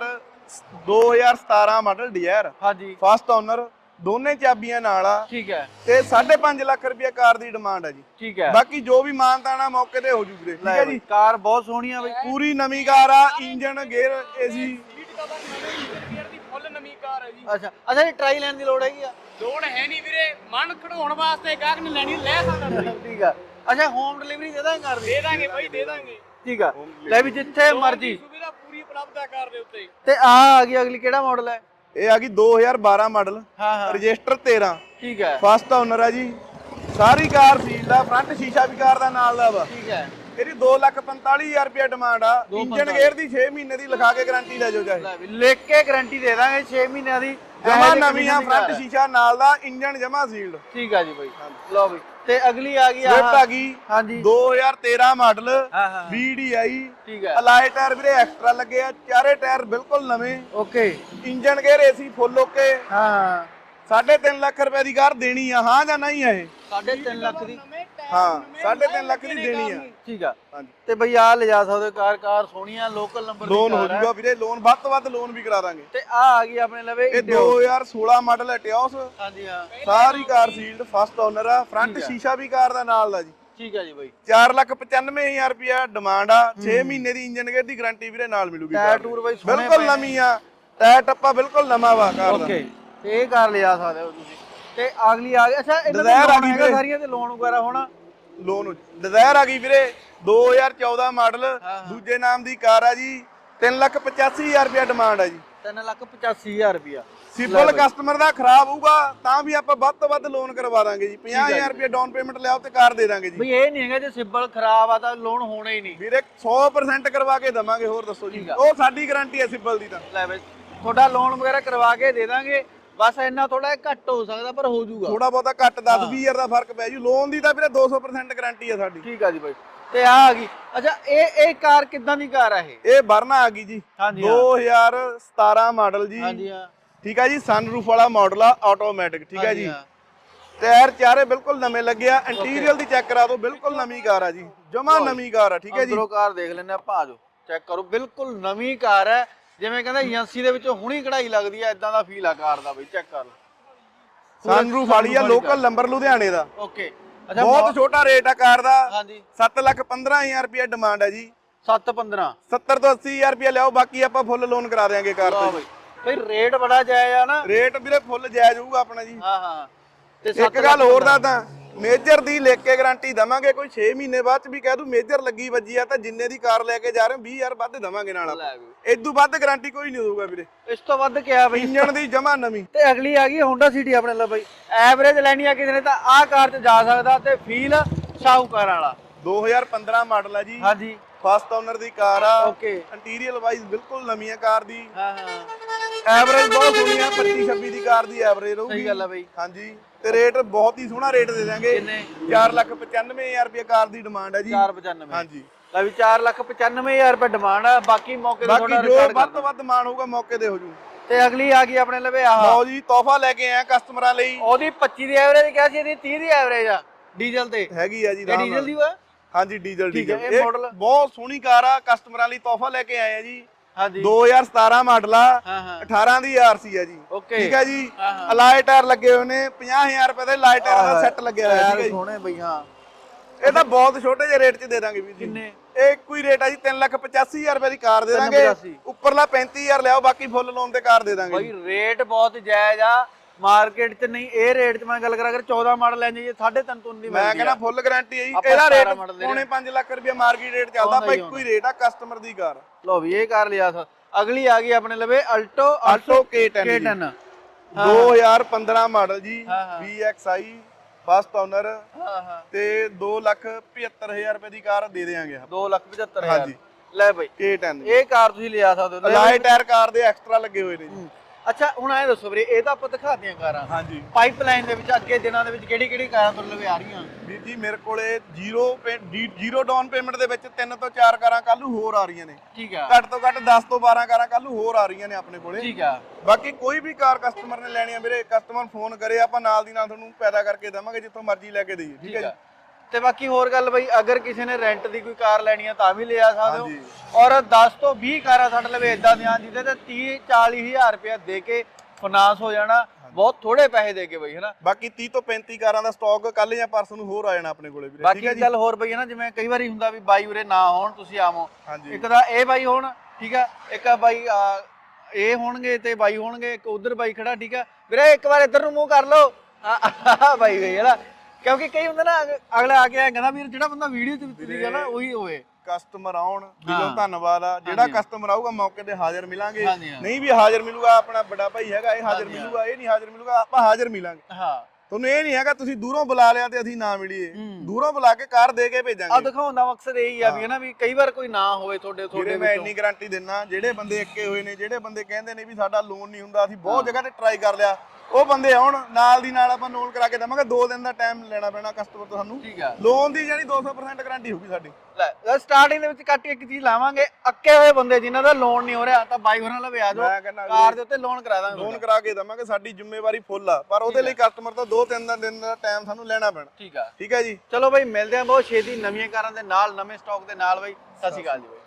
ਦੋ ਹਜ਼ਾਰ ਸਤਾਰਾਂ ਮਾਡਲ ਡਿਜ਼ਾਇਰ, ਹਾਂਜੀ ਫਸਟ ਓਨਰ, ਦੋਨੇ ਚਾਬੀਆਂ ਨਾਲ ਆ ਠੀਕ ਹੈ। ਤੇ ਸਾਢੇ ਪੰਜ ਲੱਖ ਰੁਪਏ ਕਾਰ ਦੀ ਡਿਮਾਂਡ ਹੈ ਜੀ। ਠੀਕ ਹੈ, ਬਾਕੀ ਜੋ ਵੀ ਮਾਨਤਾਨਾ ਮੌਕੇ ਤੇ ਹੋ ਜੂ ਵੀਰੇ। ਠੀਕ ਹੈ ਜੀ, ਕਾਰ ਬਹੁਤ ਸੋਹਣੀ ਆ ਬਾਈ, ਪੂਰੀ ਨਵੀਂ ਕਾਰ ਆ, engine gear AC. Seat cover ਨਵੇਂ ਇੰਜਨ ਗੇਅਰ ਦੀ ਫੁੱਲ ਨਵੀਂ ਕਾਰ ਹੈ ਜੀ। ਅੱਛਾ ਅੱਛਾ, ਇਹ ਟਰਾਈ ਲੈਣ ਦੀ ਲੋੜ ਹੈਗੀ ਆ? ਲੋੜ ਹੈ ਨਹੀਂ ਵੀਰੇ, ਮਨ ਖੜਾਉਣ ਵਾਸਤੇ ਗਾਹਕ ਨੇ ਲੈਣੀ ਲੈ ਸਕਦਾ ਤੁਸੀਂ। ਠੀਕ ਆ। ਅੱਛਾ, ਹੋਮ ਡਿਲੀਵਰੀ ਦੇ ਦਾਂਗੇ ਕਾਰ ਦੀ? ਦੇ ਦਾਂਗੇ ਬਾਈ, ਦੇ ਦਾਂਗੇ। ਠੀਕ ਆ, ਲੈ ਵੀ ਜਿੱਥੇ ਮਰਜੀ ਸੁਵਿਧਾ ਪੂਰੀ ਉਪਲਬਧ ਹੈ ਕਾਰ ਦੇ ਉੱਤੇ। ਤੇ ਆ ਆ ਗਈ ਅਗਲੀ, ਕਿਹੜਾ ਮਾਡਲ ਹੈ? ਇਹ ਆ ਗਈ ਦੋ ਹਜ਼ਾਰ ਬਾਰਾਂ ਮਾਡਲ, ਹਾਂ ਹਾਂ ਰਜਿਸਟਰ ਤੇਰਾਂ, ਠੀਕ ਹੈ ਫਸਟ ਓਨਰ ਆ ਜੀ। ਸਾਰੀ ਕਾਰ ਸੀਲ ਆ, ਫਰੰਟ ਸ਼ੀਸ਼ਾ ਵੀ ਕਾਰ ਦਾ ਨਾਲ ਦਾ ਵਾ। ਠੀਕ ਹੈ। ਇਹਦੀ ਦੋ ਲੱਖ ਪੰਤਾਲੀ ਹਜ਼ਾਰ ਰੁਪਏ ਡਿਮਾਂਡ ਆ। ਦੋ ਇੰਜਨ ਗੇਅਰ ਦੀ ਛੇ ਮਹੀਨੇ ਦੀ ਲਿਖਾ ਕੇ ਗਾਰੰਟੀ ਲੈ ਜਾਓ ਚਾਹੇ। ਲੈ ਵੀ ਲਿਖ ਕੇ ਗਾਰੰਟੀ ਦੇ ਦਾਂਗੇ ਛੇ ਮਹੀਨਿਆਂ ਦੀ। ਜਮਾ ਨਵੀਂ ਆ, ਫਰੰਟ ਸ਼ੀਸ਼ਾ ਨਾਲ ਦਾ, ਇੰਜਨ ਜਮਾ ਸੀਲਡ। ਠੀਕ ਆ ਜੀ ਬਾਈ, ਲਓ ਬਈ। ਤੇ ਅਗਲੀ ਆ ਗਈ ਸਵਿਫਟ ਆ ਆ ਗਈ ਹਾਂਜੀ ਦੋ ਹਜ਼ਾਰ ਤੇਰਾਂ ਮਾਡਲ, ਹਾਂ ਹਾਂ ਵੀ ਡੀ ਆਈ। ਠੀਕ ਹੈ, ਅਲਾਈ ਟਾਇਰ ਵੀਰੇ ਐਕਸਟਰਾ ਲੱਗੇ ਆ, ਚਾਰੇ ਟਾਇਰ ਬਿਲਕੁਲ ਨਵੇਂ, okay engine gear AC full okay. ਹਾਂ ਹਾਂ। ਸਾਢੇ ਤਿੰਨ ਲੱਖ ਰੁਪਏ ਦੀ ਕਾਰ ਦੇਣੀ ਆ, ਹਾਂ ਜਾਂ ਨਹੀਂ ਆ ਇਹ? ਸਾਢੇ ਤਿੰਨ ਲੱਖ ਦੀ? ਹਾਂ, ਸਾਢੇ ਤਿੰਨ ਲੱਖ ਦੀ ਦੇਣੀ ਆ। ਠੀਕ ਆ। ਹਾਂਜੀ, ਤੇ ਬਈ ਆ ਲਿਜਾ ਸਕਦੇ ਕਾਰ, ਕਾਰ ਸੋਹਣੀ ਆ, ਲੋਕਲ ਨੰਬਰ ਦੀ ਲੋਨ ਹੋ ਕਾਰ ਆ। ਜਾਊਗਾ ਵੀਰੇ, ਲੋਨ ਵੱਧ ਤੋਂ ਵੱਧ ਲੋਨ ਵੀ ਕਰਾ ਦਾਂਗੇ। ਤੇ ਆ ਆ ਗਈ ਆਪਣੇ ਲਵੇ ਇਹ ਦੋ ਹਜ਼ਾਰ ਸੋਲਾਂ ਮਾਡਲ ਹੈ, ਟਿਓਸ। ਹਾਂਜੀ ਹਾਂ, ਸਾਰੀ ਕਾਰ ਸੀਲਡ, ਫਸਟ ਓਨਰ ਆ, ਫਰੰਟ ਠੀਕ ਆ। ਸ਼ੀਸ਼ਾ ਵੀ ਕਾਰ ਦਾ ਨਾਲ ਦਾ ਜੀ। ਠੀਕ ਆ ਜੀ ਬਾਈ। ਚਾਰ ਲੱਖ ਪਚਾਨਵੇਂ ਹਜ਼ਾਰ ਰੁਪਇਆ ਡਿਮਾਂਡ ਆ, ਛੇ ਮਹੀਨੇ ਦੀ ਇੰਜਨ ਗੇਅਰ ਦੀ ਗਾਰੰਟੀ ਵੀਰੇ ਨਾਲ ਮਿਲੂਗੀ। ਟਾਇਰ ਕਾਰ ਦੀ। ਟੂਰ ਬਾਈ ਸੋਹਣੇ ਬਿਲਕੁਲ ਪਏ ਨੇ। ਨਵੀਂ ਆ, ਟਾਇਰ ਟੱਪਾ ਬਿਲਕੁਲ ਨਵਾਂ ਵਾ ਕਾਰ ਦਾ। ਓਕੇ, ਤੇ ਇਹ ਕਾਰ ਲਿਜਾ ਸਕਦੇ ਹੋ ਤੁਸੀਂ। ਤੇ ਅਗਲੀ ਆ ਗਈ, ਅੱਛਾ ਇਹਨਾਂ ਦੇ Desire ਆ ਲੋਨ ਗਈ ਹੈਗਾ ਵੀਰੇ। ਸਾਰੀਆਂ ਤੇ ਲੋਨ ਵਗੈਰਾ ਹੋਣਾ? ਲੋਨ ਡਿਜ਼ਾਇਰ ਆ ਗਈ ਵੀਰੇ ਦੋ ਹਜ਼ਾਰ ਚੌਦਾਂ ਮਾਡਲ, ਹਾਂ। ਦੂਜੇ ਨਾਮ ਦੀ ਕਾਰ ਆ ਜੀ। ਤਿੰਨ ਲੱਖ ਪਚਾਸੀ ਹਜ਼ਾਰ ਰੁਪਇਆ ਡਿਮਾਂਡ ਆ ਜੀ। ਤਿੰਨ ਲੱਖ ਪਚਾਸੀ ਹਜ਼ਾਰ ਰੁਪਇਆ। ਸਿੰਪਲ ਕਸਟਮਰ ਦਾ ਖਰਾਬ ਹੋਊਗਾ ਤਾਂ ਵੀ ਆਪਾਂ ਵੱਧ ਤੋਂ ਵੱਧ ਲੋਨ ਕਰਵਾ ਦਾਂਗੇ ਜੀ। ਪੰਜਾਹ ਹਜ਼ਾਰ ਰੁਪਇਆ ਡਾਊਨ ਪੇਮੈਂਟ ਲਿਆਓ ਤੇ ਕਾਰ ਦੇ ਦਾਂਗੇ ਜੀ। ਬਈ ਇਹ ਨਹੀਂ ਹੈਗਾ ਜੇ ਸਿਬਲ ਖਰਾਬ ਆ ਤਾਂ ਲੋਨ ਹੋਣਾ ਹੀ ਨਹੀਂ। ਵੀਰੇ ਸੌ ਪ੍ਰਸੈਂਟ ਕਰਵਾ ਕੇ ਦਵਾਂਗੇ। ਹੋਰ ਦੱਸੋ ਜੀ, ਠੀਕ ਆ। ਉਹ ਸਾਡੀ ਗਾਰੰਟੀ ਹੈ ਸਿੰਪਲ ਦੀ ਤਾਂ। ਲੈ ਬਈ ਤੁਹਾਡਾ ਲੋਨ ਵਗੈਰਾ ਕਰਵਾ ਕੇ ਦੇ ਦਾਂਗੇ, ਬਸ ਇੰਨਾ ਥੋੜਾ ਘੱਟ ਹੋ ਸਕਦਾ ਪਰ ਹੋ ਜਾਊਗਾ। ਥੋੜਾ ਬਹੁਤਾ ਘੱਟ ਦਸ ਵੀਹ ਹਜ਼ਾਰ ਦਾ ਫਰਕ ਪੈ ਜੂ। ਲੋਨ ਦੀ ਤਾਂ ਵੀਰੇ ਦੋ ਸੌ ਪ੍ਰਸੈਂਟ ਗਾਰੰਟੀ ਹੈ ਸਾਡੀ। ਠੀਕ ਆ ਜੀ ਬਾਈ। ਤੇ ਆ ਆ ਗਈ, ਅੱਛਾ ਇਹ ਇਹ ਕਾਰ ਕਿੱਦਾਂ ਦੀ ਕਾਰ ਆ ਇਹ? ਇਹ ਵਰਨਾ ਆ ਗਈ ਜੀ ਹਾਂਜੀ ਦੋ ਹਜ਼ਾਰ ਸਤਾਰਾਂ ਮਾਡਲ ਜੀ। ਹਾਂਜੀ ਹਾਂ, ਠੀਕ ਆ ਜੀ, ਸਨਰੂਫ ਵਾਲਾ ਮਾਡਲ ਆ, ਆਟੋਮੈਟਿਕ। ਠੀਕ ਹੈ ਹਾਂਜੀ ਜੀ, ਹਾਂ। ਟਾਇਰ ਚਾਰੇ ਬਿਲਕੁਲ ਨਵੇਂ ਲੱਗੇ ਆ। ਇੰਟੀਰੀਅਰ ਦੀ ਚੈੱਕ ਕਰਾ ਦਿਓ, ਬਿਲਕੁਲ ਨਵੀਂ ਕਾਰ ਆ ਜੀ, ਜਮਾ ਨਵੀਂ ਕਾਰ ਆ। ਠੀਕ ਹੈ ਜੀ, ਅੰਦਰੋਂ ਕਾਰ ਦੇਖ ਲੈਂਦੇ ਆਪਾਂ, ਆ ਜਾਓ ਚੈੱਕ ਕਰੋ, ਬਿਲਕੁਲ ਨਵੀਂ ਕਾਰ ਹੈ। ਜਿਵੇਂ ਕਹਿੰਦਾ ਏਜੰਸੀ ਦੇ ਵਿੱਚੋਂ ਹੁਣੀ ਕਢਾਈ ਲੱਗਦੀ ਆ, ਇਦਾਂ ਦਾ ਫੀਲ ਆ ਕਾਰ ਦਾ ਬਈ, ਚੈੱਕ ਕਰ ਲਓ। ਸਨਰੂਫ ਵਾਲੀ ਆ, ਲੋਕਲ ਨੰਬਰ ਲੁਧਿਆਣੇ ਦਾ। ਓਕੇ, ਅੱਛਾ ਬਹੁਤ ਛੋਟਾ ਰੇਟ ਆ ਕਾਰ ਦਾ। ਹਾਂਜੀ, ਸੱਤ ਲੱਖ ਪੰਦਰਾਂ ਹਜ਼ਾਰ ਰੁਪਇਆ ਡਿਮਾਂਡ ਹੈ ਜੀ। ਸੱਤ ਪੰਦਰਾਂ। ਸੱਤਰ ਤੋਂ ਅੱਸੀ ਹਜ਼ਾਰ ਰੁਪਇਆ ਲਿਆਓ, ਬਾਕੀ ਆਪਾਂ ਫੁੱਲ ਲੋਨ ਕਰਾ ਦਿਆਂਗੇ ਕਾਰ ਲਓ ਤੇ। ਬਈ, ਬਈ ਰੇਟ ਬੜਾ ਜਾਇਜ਼ ਆ ਨਾ। ਰੇਟ ਵੀਰੇ ਫੁੱਲ ਜਾਇਜ਼ ਹੋਊਗਾ ਆਪਣਾ ਜੀ। ਹਾਂ ਹਾਂ। ਤੇ ਇੱਕ ਗੱਲ ਹੋਰ ਦਾ ਤਾਂ ਮੇਜਰ ਦੀ ਲਿਖ ਕੇ ਗਾਰੰਟੀ ਦਵਾਂਗੇ। ਕੋਈ ਛੇ ਮਹੀਨੇ ਬਾਅਦ ਚ ਵੀ ਕਹਿ ਦੂ ਮੇਜਰ ਲੱਗੀ ਵੱਜੀ ਆ ਤਾਂ ਜਿੰਨੇ ਦੀ ਕਾਰ ਲੈ ਕੇ ਜਾ ਰਹੇ ਵੀਹ ਹਜ਼ਾਰ ਵੱਧ ਦਵਾਂਗੇ ਨਾਲ ਆਪਾਂ। ਇਦੋਂ ਵੱਧ ਗਾਰੰਟੀ ਕੋਈ ਨਹੀਂ ਦਊਗਾ ਵੀਰੇ। ਇਸ ਤੋਂ ਵੱਧ ਕਿਹਾ ਬਈ। ਇੰਜਣ ਦੀ ਜਮਾ ਨਵੀਂ। ਤੇ ਅਗਲੀ ਆ ਗਈ ਹੋਂਡਾ ਸਿਟੀ ਆਪਣੇ ਲਈ ਬਈ। ਐਵਰੇਜ ਲੈਣੀ ਆ ਕਿਸੇ ਨੇ ਤਾਂ ਆਹ ਕਾਰ 'ਚ ਜਾ ਸਕਦਾ, ਤੇ ਫੀਲ ਸ਼ਾਹੂਕਾਰ ਵਾਲਾ। ਦੋ ਹਜ਼ਾਰ ਪੰਦਰਾਂ ਮਾਡਲ ਆ ਜੀ, ਹਾਂਜੀ, ਫਸਟ ਓਨਰ ਦੀ ਕਾਰ ਆ। ਓਕੇ, ਇੰਟੀਰੀਅਰ ਵਾਈਜ਼ ਬਿਲਕੁਲ ਨਵੀਂ ਆ ਕਾਰ ਦੀ। ਹਾਂ ਹਾਂ, ਐਵਰੇਜ ਬਹੁਤ ਸੋਹਣੀ ਆ, ਪੱਚੀ ਛੱਬੀ ਦੀ ਕਾਰ ਦੀ ਐਵਰੇਜ ਰਹੂਗੀ। ਸਹੀ ਗੱਲ ਆ ਬਈ। ਹਾਂਜੀ, ਤੇ ਰੇਟ ਬਹੁਤ ਹੀ ਸੋਹਣਾ ਰੇਟ ਦੇ ਦਾਂਗੇ। ਕਿੰਨੇ? ਚਾਰ ਲੱਖ ਪਚਾਨਵੇਂ ਹਜ਼ਾਰ ਰੁਪਏ ਕਾਰ ਦੀ ਡਿਮਾਂਡ ਹੈ ਜੀ। ਚਾਰ ਪਚਾਨਵੇਂ। ਹਾਂਜੀ, ਲੈ ਵੀ ਚਾਰ ਲੱਖ ਪਚਾਨਵੇਂ ਹਜ਼ਾਰ ਰੁਪਏ ਡਿਮਾਂਡ ਆ, ਬਾਕੀ ਮੌਕੇ ਤੇ ਬਾਕੀ ਤੁਹਾਡਾ ਜੋ ਰਿਕਾਰਡ ਵੱਧ ਤੋਂ ਵੱਧ ਮਾਨ ਹੋਊਗਾ ਮੌਕੇ ਤੇ ਹੋ ਜੂ। ਤੇ ਅਗਲੀ ਆ ਗਈ ਆਪਣੇ ਲਵੇ ਆਹ, ਲਓ ਜੀ, ਤੋਹਫਾ ਲੈ ਕੇ ਆਏ ਕਸਟਮਰਾਂ ਲਈ। ਉਹਦੀ ਪੱਚੀ ਦੀ ਐਵਰੇਜ ਕਿਹਾ ਸੀ, ਇਹਦੀ ਤੀਹ ਦੀ ਐਵਰੇਜ ਆ ਡੀਜ਼ਲ ਤੇ। ਹੈਗੀ ਆ ਜੀ, ਇਹ ਆਰਾਮ ਡੀਜ਼ਲ ਨਾਲ। ਦੀ ਵਾ? ਹਾਂਜੀ, ਡੀਜ਼ਲ ਠੀਕ ਹੈ, ਡੀਜ਼ਲ। ਇਹ ਇਹ model? ਬਹੁਤ ਸੋਹਣੀ ਕਾਰ ਆ, ਕਸਟਮਰਾਂ ਲਈ ਤੋਹਫਾ ਲੈ ਕੇ ਆਏ ਆ ਜੀ। ਹਾਂਜੀ, ਦੋ ਹਜ਼ਾਰ ਸਤਾਰਾਂ ਮਾਡਲ ਆ, ਹਾਂ ਹਾਂ, ਅਠਾਰਾਂ ਦੀ ਆਰਸੀ ਆ ਜੀ। ਓਕੇ, ਠੀਕ ਹੈ ਜੀ, ਹਾਂ ਹਾਂ। ਅਲਾਈ ਟਾਇਰ ਲੱਗੇ ਹੋਏ ਨੇ, ਪੰਜਾਹ ਹਜ਼ਾਰ ਰੁਪਏ ਦੇ ਲਾਈ ਟਾਇਰ ਦਾ ਸੈੱਟ ਲੱਗਿਆ ਹੋਇਆ। ਠੀਕ ਹੈ ਟਾਇਰ ਜੀ, ਸੋਹਣੇ ਬਈ। ਹਾਂ, ਇਹ ਤਾਂ ਬਹੁਤ ਛੋਟੇ ਜਿਹੇ ਰੇਟ 'ਚ ਦੇ ਦਾਂਗੇ ਵੀਰ ਜੀ। ਕਿੰਨੇ? ਇਹ ਇੱਕੋ ਹੀ ਰੇਟ ਆ ਜੀ, ਤਿੰਨ ਲੱਖ ਪਚਾਸੀ ਹਜ਼ਾਰ ਰੁਪਏ ਦੀ ਕਾਰ ਦੇ ਦਾਂਗੇ। ਪਚਾਸੀ। ਉੱਪਰਲਾ ਪੈਂਤੀ ਹਜ਼ਾਰ ਲਿਆਓ, ਬਾਕੀ ਫੁੱਲ ਲੋਨ ਤੇ ਕਾਰ ਦੇ ਦਾਂਗੇ ਬਈ ਜੀ। ਰੇਟ ਬਹੁਤ ਜਾਇਜ਼ ਆ ਮਾਰਕੀਟ 'ਚ। ਨਹੀਂ ਇਹ ਰੇਟ 'ਚ ਮੈਂ ਗੱਲ ਕਰਾਂ, ਅਗਰ ਚੌਦਾਂ ਮਾਡਲ ਲੈ ਜਾਈਏ ਸਾਢੇ ਤਿੰਨ ਤੋਂ ਨਹੀਂ ਮੈਂ ਮਿਲਦੀ ਕਹਿੰਦਾ ਆ। ਫੁੱਲ ਗਾਰੰਟੀ ਹੈ ਜੀ। ਆਪਾਂ ਇਹਦਾ ਰੇਟ ਸਤਾਰਾਂ ਮਾਡਲ ਦੇ ਪੌਣੇ ਪੰਜ ਲੱਖ ਰੁਪਏ ਮਾਰਕੀਟ ਰੇਟ ਚੱਲਦਾ। ਆਉਂਦਾ ਆਪਾਂ ਹੀ ਇੱਕੋ ਹੀ ਰੇਟ ਆ, ਕਸਟਮਰ ਦੀ ਕਾਰ। ਲੋ ਵੀ ਇਹ ਕਾਰ ਲਿਆ। ਅਗਲੀ ਆ ਗਈ ਆਪਣੇ ਲਵੇ ਅਲਟੋ ਆਲਟੋ ਕੇ ਟੈਨ ਕੇ ਜੀ। ਟੈਨ ਦੋ ਹਜ਼ਾਰ ਪੰਦਰਾਂ ਮਾਡਲ ਜੀ, ਹਾਂ, ਹਾਂ। V X I, first owner, ਹਾਂ ਹਾਂ, ਤੇ ਦੋ ਲੱਖ ਪਝੱਤਰ ਹਜ਼ਾਰ ਰੁਪਏ ਦੀ ਕਾਰ ਦੇ ਦੇਾਂਗੇ ਆਪਾਂ। ਦੋ ਲੱਖ ਪਝੱਤਰ ਹਜ਼ਾਰ। ਹਾਂਜੀ। ਲੈ ਬਈ ਕੇ ਟੈਨ ਇਹ ਕਾਰ ਤੁਸੀਂ ਲਿਆ ਸਕਦੇ ਹੋ। ਅਲਾਈ ਟਾਇਰ ਕਾਰ ਦੇ ਐਕਸਟਰਾ ਲੱਗੇ ਹੋਏ ਨੇ ਜੀ। ਅੱਛਾ ਹੁਣ ਐ ਦੱਸੋ ਵੀਰੇ, ਇਹ ਤਾਂ ਆਪਾਂ ਦਿਖਾਤੀਆਂ ਕਾਰਾਂ, ਹਾਂਜੀ ਪਾਈਪਲਾਈਨ ਦੇ ਵਿੱਚ ਅੱਗੇ ਦਿਨਾਂ ਦੇ ਵਿੱਚ ਕਿਹੜੀ ਕਿਹੜੀ ਕਾਰਾਂ ਤੁਹਾਡੇ ਲਵੇ ਆ ਰਹੀਆਂ? ਵੀਰ ਜੀ ਮੇਰੇ ਕੋਲੇ ਜ਼ੀਰੋ ਜ਼ੀਰੋ ਡਾਊਨ ਪੇਮੈਂਟ ਦੇ ਵਿੱਚ ਤਿੰਨ ਤੋਂ ਚਾਰ ਕਾਰਾਂ ਕੱਲ ਨੂੰ ਹੋਰ ਆ ਰਹੀਆਂ ਨੇ। ਠੀਕ ਆ ਘੱਟ ਤੋਂ ਘੱਟ ਦਸ ਤੋਂ ਬਾਰਾਂ ਕਾਰਾਂ ਕੱਲ ਨੂੰ ਹੋਰ ਆ ਰਹੀਆਂ ਨੇ ਆਪਣੇ ਕੋਲੇ। ਠੀਕ ਆ ਬਾਕੀ ਕੋਈ ਵੀ ਕਾਰ ਕਸਟਮਰ ਨੇ ਲੈਣੀ ਆ ਵੀਰੇ, ਕਸਟਮਰ ਫੋਨ ਕਰੇ ਆਪਾਂ ਨਾਲ ਦੀ ਨਾਲ ਤੁਹਾਨੂੰ ਪੈਦਾ ਕਰਕੇ ਦੇਵਾਂਗੇ, ਜਿੱਥੋਂ ਮਰਜ਼ੀ ਲੈ ਕੇ ਦੇਈਏ। ਠੀਕ ਹੈ ਜੀ। ਤੇ ਬਾਕੀ ਹੋਰ ਗੱਲ ਬਈ, ਅਗਰ ਕਿਸੇ ਨੇ ਰੈਂਟ ਦੀ ਕੋਈ ਕਾਰ ਲੈਣੀ ਆ ਤਾਂ ਵੀ ਲਿਆ ਸਕਦੇ ਹਾਂਜੀ। ਹੋ। ਔਰ ਦਸ ਤੋਂ ਵੀਹ ਕਾਰਾਂ ਸਾਡੇ ਲਵੇ ਇਦਾਂ ਦੀਆਂ ਜਿਹਦੇ ਤੇ ਤੀਹ ਚਾਲੀ ਹਜ਼ਾਰ ਰੁਪਇਆ ਦੇ ਕੇ ਫਾਈਨਾਂਸ ਹੋ ਜਾਣਾ, ਬਹੁਤ ਥੋੜੇ ਪੈਸੇ ਦੇ ਕੇ ਬਈ, ਹਨਾ। ਬਾਕੀ ਤੀਹ ਤੋਂ ਪੈਂਤੀ ਕਾਰਾਂ ਦਾ ਸਟਾਕ ਕੱਲ ਜਾਂ ਪਰਸੋਂ ਨੂੰ ਹੋਰ ਆ ਜਾਣਾ ਆਪਣੇ ਕੋਲੇ ਵੀਰੇ। ਬਾਕੀ ਠੀਕ ਹੈ ਜੀ। ਗੱਲ ਹੋਰ ਬਈ, ਹਨਾ, ਜਿਵੇਂ ਕਈ ਵਾਰੀ ਹੁੰਦਾ ਵੀ ਬਾਈ ਉਰੇ ਨਾ ਹੋਣ, ਤੁਸੀਂ ਆਵੋ, ਹਾਂਜੀ ਇੱਕ ਤਾਂ ਇਹ ਬਾਈ ਹੋਣ, ਠੀਕ ਆ, ਇੱਕ ਆ ਬਾਈ ਆ, ਇਹ ਹੋਣਗੇ ਤੇ ਬਾਈ ਹੋਣਗੇ, ਇੱਕ ਉਧਰ ਬਾਈ ਖੜਾ, ਠੀਕ ਆ ਵੀਰੇ, ਇੱਕ ਵਾਰ ਇੱਧਰ ਨੂੰ ਮੂੰਹ ਕਰ ਲਓ ਆ ਬਾਈ ਗਈ ਹਨਾ। ਕਿਉਂਕਿ ਕਈ ਹੁੰਦਾ ਨਾ, ਅਗ- ਅਗਲਾ ਆ ਕੇ ਐਂ ਕਹਿੰਦਾ ਵੀ ਜਿਹੜਾ ਬੰਦਾ ਵੀਡੀਓ ਤੇ ਤੁਸੀਂ ਨਾ ਉਹੀ ਹੋਵੇ। ਕਸਟਮਰ ਆਉਣ ਦਿਲੋਂ ਹਾਂ। ਧੰਨਵਾਦ ਆ, ਜਿਹੜਾ ਹਾਂਜੀ। ਕਸਟਮਰ ਆਊਗਾ ਮੌਕੇ ਤੇ ਹਾਜ਼ਰ ਮਿਲਾਂਗੇ, ਹਾਂਜੀ, ਹਾਂ। ਨਹੀਂ ਵੀ ਹਾਜ਼ਰ ਮਿਲੂਗਾ ਆਪਣਾ ਵੱਡਾ ਭਾਈ ਹੈਗਾ ਇਹ ਹਾਜ਼ਰ ਹਾਂਜੀ, ਹਾਂ। ਮਿਲੂਗਾ, ਇਹ ਨਹੀਂ ਹਾਜ਼ਰ ਮਿਲੂਗਾ, ਆਪਾਂ ਹਾਜ਼ਰ ਮਿਲਾਂਗੇ। ਹਾਂ ਤੁਹਾਨੂੰ ਇਹ ਨਹੀਂ ਹੈਗਾ ਤੁਸੀਂ ਦੂਰੋਂ ਬੁਲਾ ਲਿਆ ਤੇ ਅਸੀਂ ਨਾ ਮਿਲੀਏ, ਹੂੰ। ਦੂਰੋਂ ਬੁਲਾ ਕੇ ਕਾਰ ਦੇ ਕੇ ਆ ਭੇਜਾਂਗੇ। ਦਿਖਾਉਣ ਦਾ ਮਕਸਦ ਇਹੀ ਆ ਵੀ ਹਨਾ, ਵੀ ਕਈ ਵਾਰ ਕੋਈ ਨਾ ਹੋਵੇ ਤੁਹਾਡੇ ਤੁਹਾਡੇ ਜਿਹੜੇ ਮੈਂ ਵਿੱਚੋਂ। ਇੰਨੀ ਗਾਰੰਟੀ ਦਿੰਨਾ, ਜਿਹੜੇ ਬੰਦੇ ਇੱਕੇ ਹੋਏ ਨੇ, ਜਿਹੜੇ ਬੰਦੇ ਕਹਿੰਦੇ ਨੇ ਵੀ ਸਾਡਾ ਲੋਨ ਨਹੀਂ ਹੁੰਦਾ, ਅਸੀਂ ਬਹੁਤ ਜਗ੍ਹਾ ਤੇ ਟਰਾਈ ਕਰ ਲਿਆ, ਉਹ ਬੰਦੇ ਆਉਣ ਨਾਲ ਦੀ ਨਾਲ ਆਪਾਂ ਲੋਨ ਕਰਾ ਕੇ ਦੇਵਾਂਗੇ। ਦੋ ਦਿਨ ਦਾ ਟਾਈਮ ਲੈਣਾ ਪੈਣਾ ਕਸਟਮਰ ਤੋਂ ਸਾਨੂੰ। ਠੀਕ ਆ ਲੋਨ ਦੀ ਜਾਨੀ ਦੋ ਸੌ ਪਰਸੈਂਟ ਗਾਰੰਟੀ ਹੋਊਗੀ ਸਾਡੀ। ਲੈ ਸਟਾਰਟਿੰਗ ਦੇ ਵਿੱਚ ਕੱਟ ਇੱਕ ਚੀਜ਼ ਲਾਵਾਂਗੇ, ਅੱਕੇ ਹੋਏ ਬੰਦੇ ਜਿਨ੍ਹਾਂ ਦਾ ਲੋਨ ਨਹੀਂ ਹੋ ਰਿਹਾ ਤਾਂ ਬਾਈ ਹੋਰਾਂ ਲਵੇ ਆ ਜਾਓ, ਮੈਂ ਕਹਿੰਦਾ ਕਾਰ ਦੇ ਉੱਤੇ ਲੋਨ ਕਰਾ ਦਾਂਗੇ। ਲੋਨ ਕਰਾ ਕੇ ਦੇਵਾਂਗੇ, ਸਾਡੀ ਜ਼ਿੰਮੇਵਾਰੀ ਫੁੱਲ ਆ, ਪਰ ਉਹਦੇ ਲਈ ਕਸਟਮਰ ਤੋਂ ਦੋ ਤਿੰਨ ਦਾ ਦਿਨ ਦਾ ਟਾਈਮ ਸਾਨੂੰ ਲੈਣਾ ਪੈਣਾ। ਠੀਕ ਆ ਠੀਕ ਹੈ ਜੀ। ਚਲੋ ਬਾਈ, ਮਿਲਦੇ ਆ ਬਹੁਤ ਛੇਤੀ ਨਵੀਆਂ ਕਾਰਾਂ ਦੇ ਨਾਲ, ਨਵੇਂ ਸਟਾਕ ਦੇ ਨਾਲ ਬਾਈ। ਸਤਿ ਸ਼੍ਰੀ ਅਕਾਲ ਜੀ ਬਾਈ।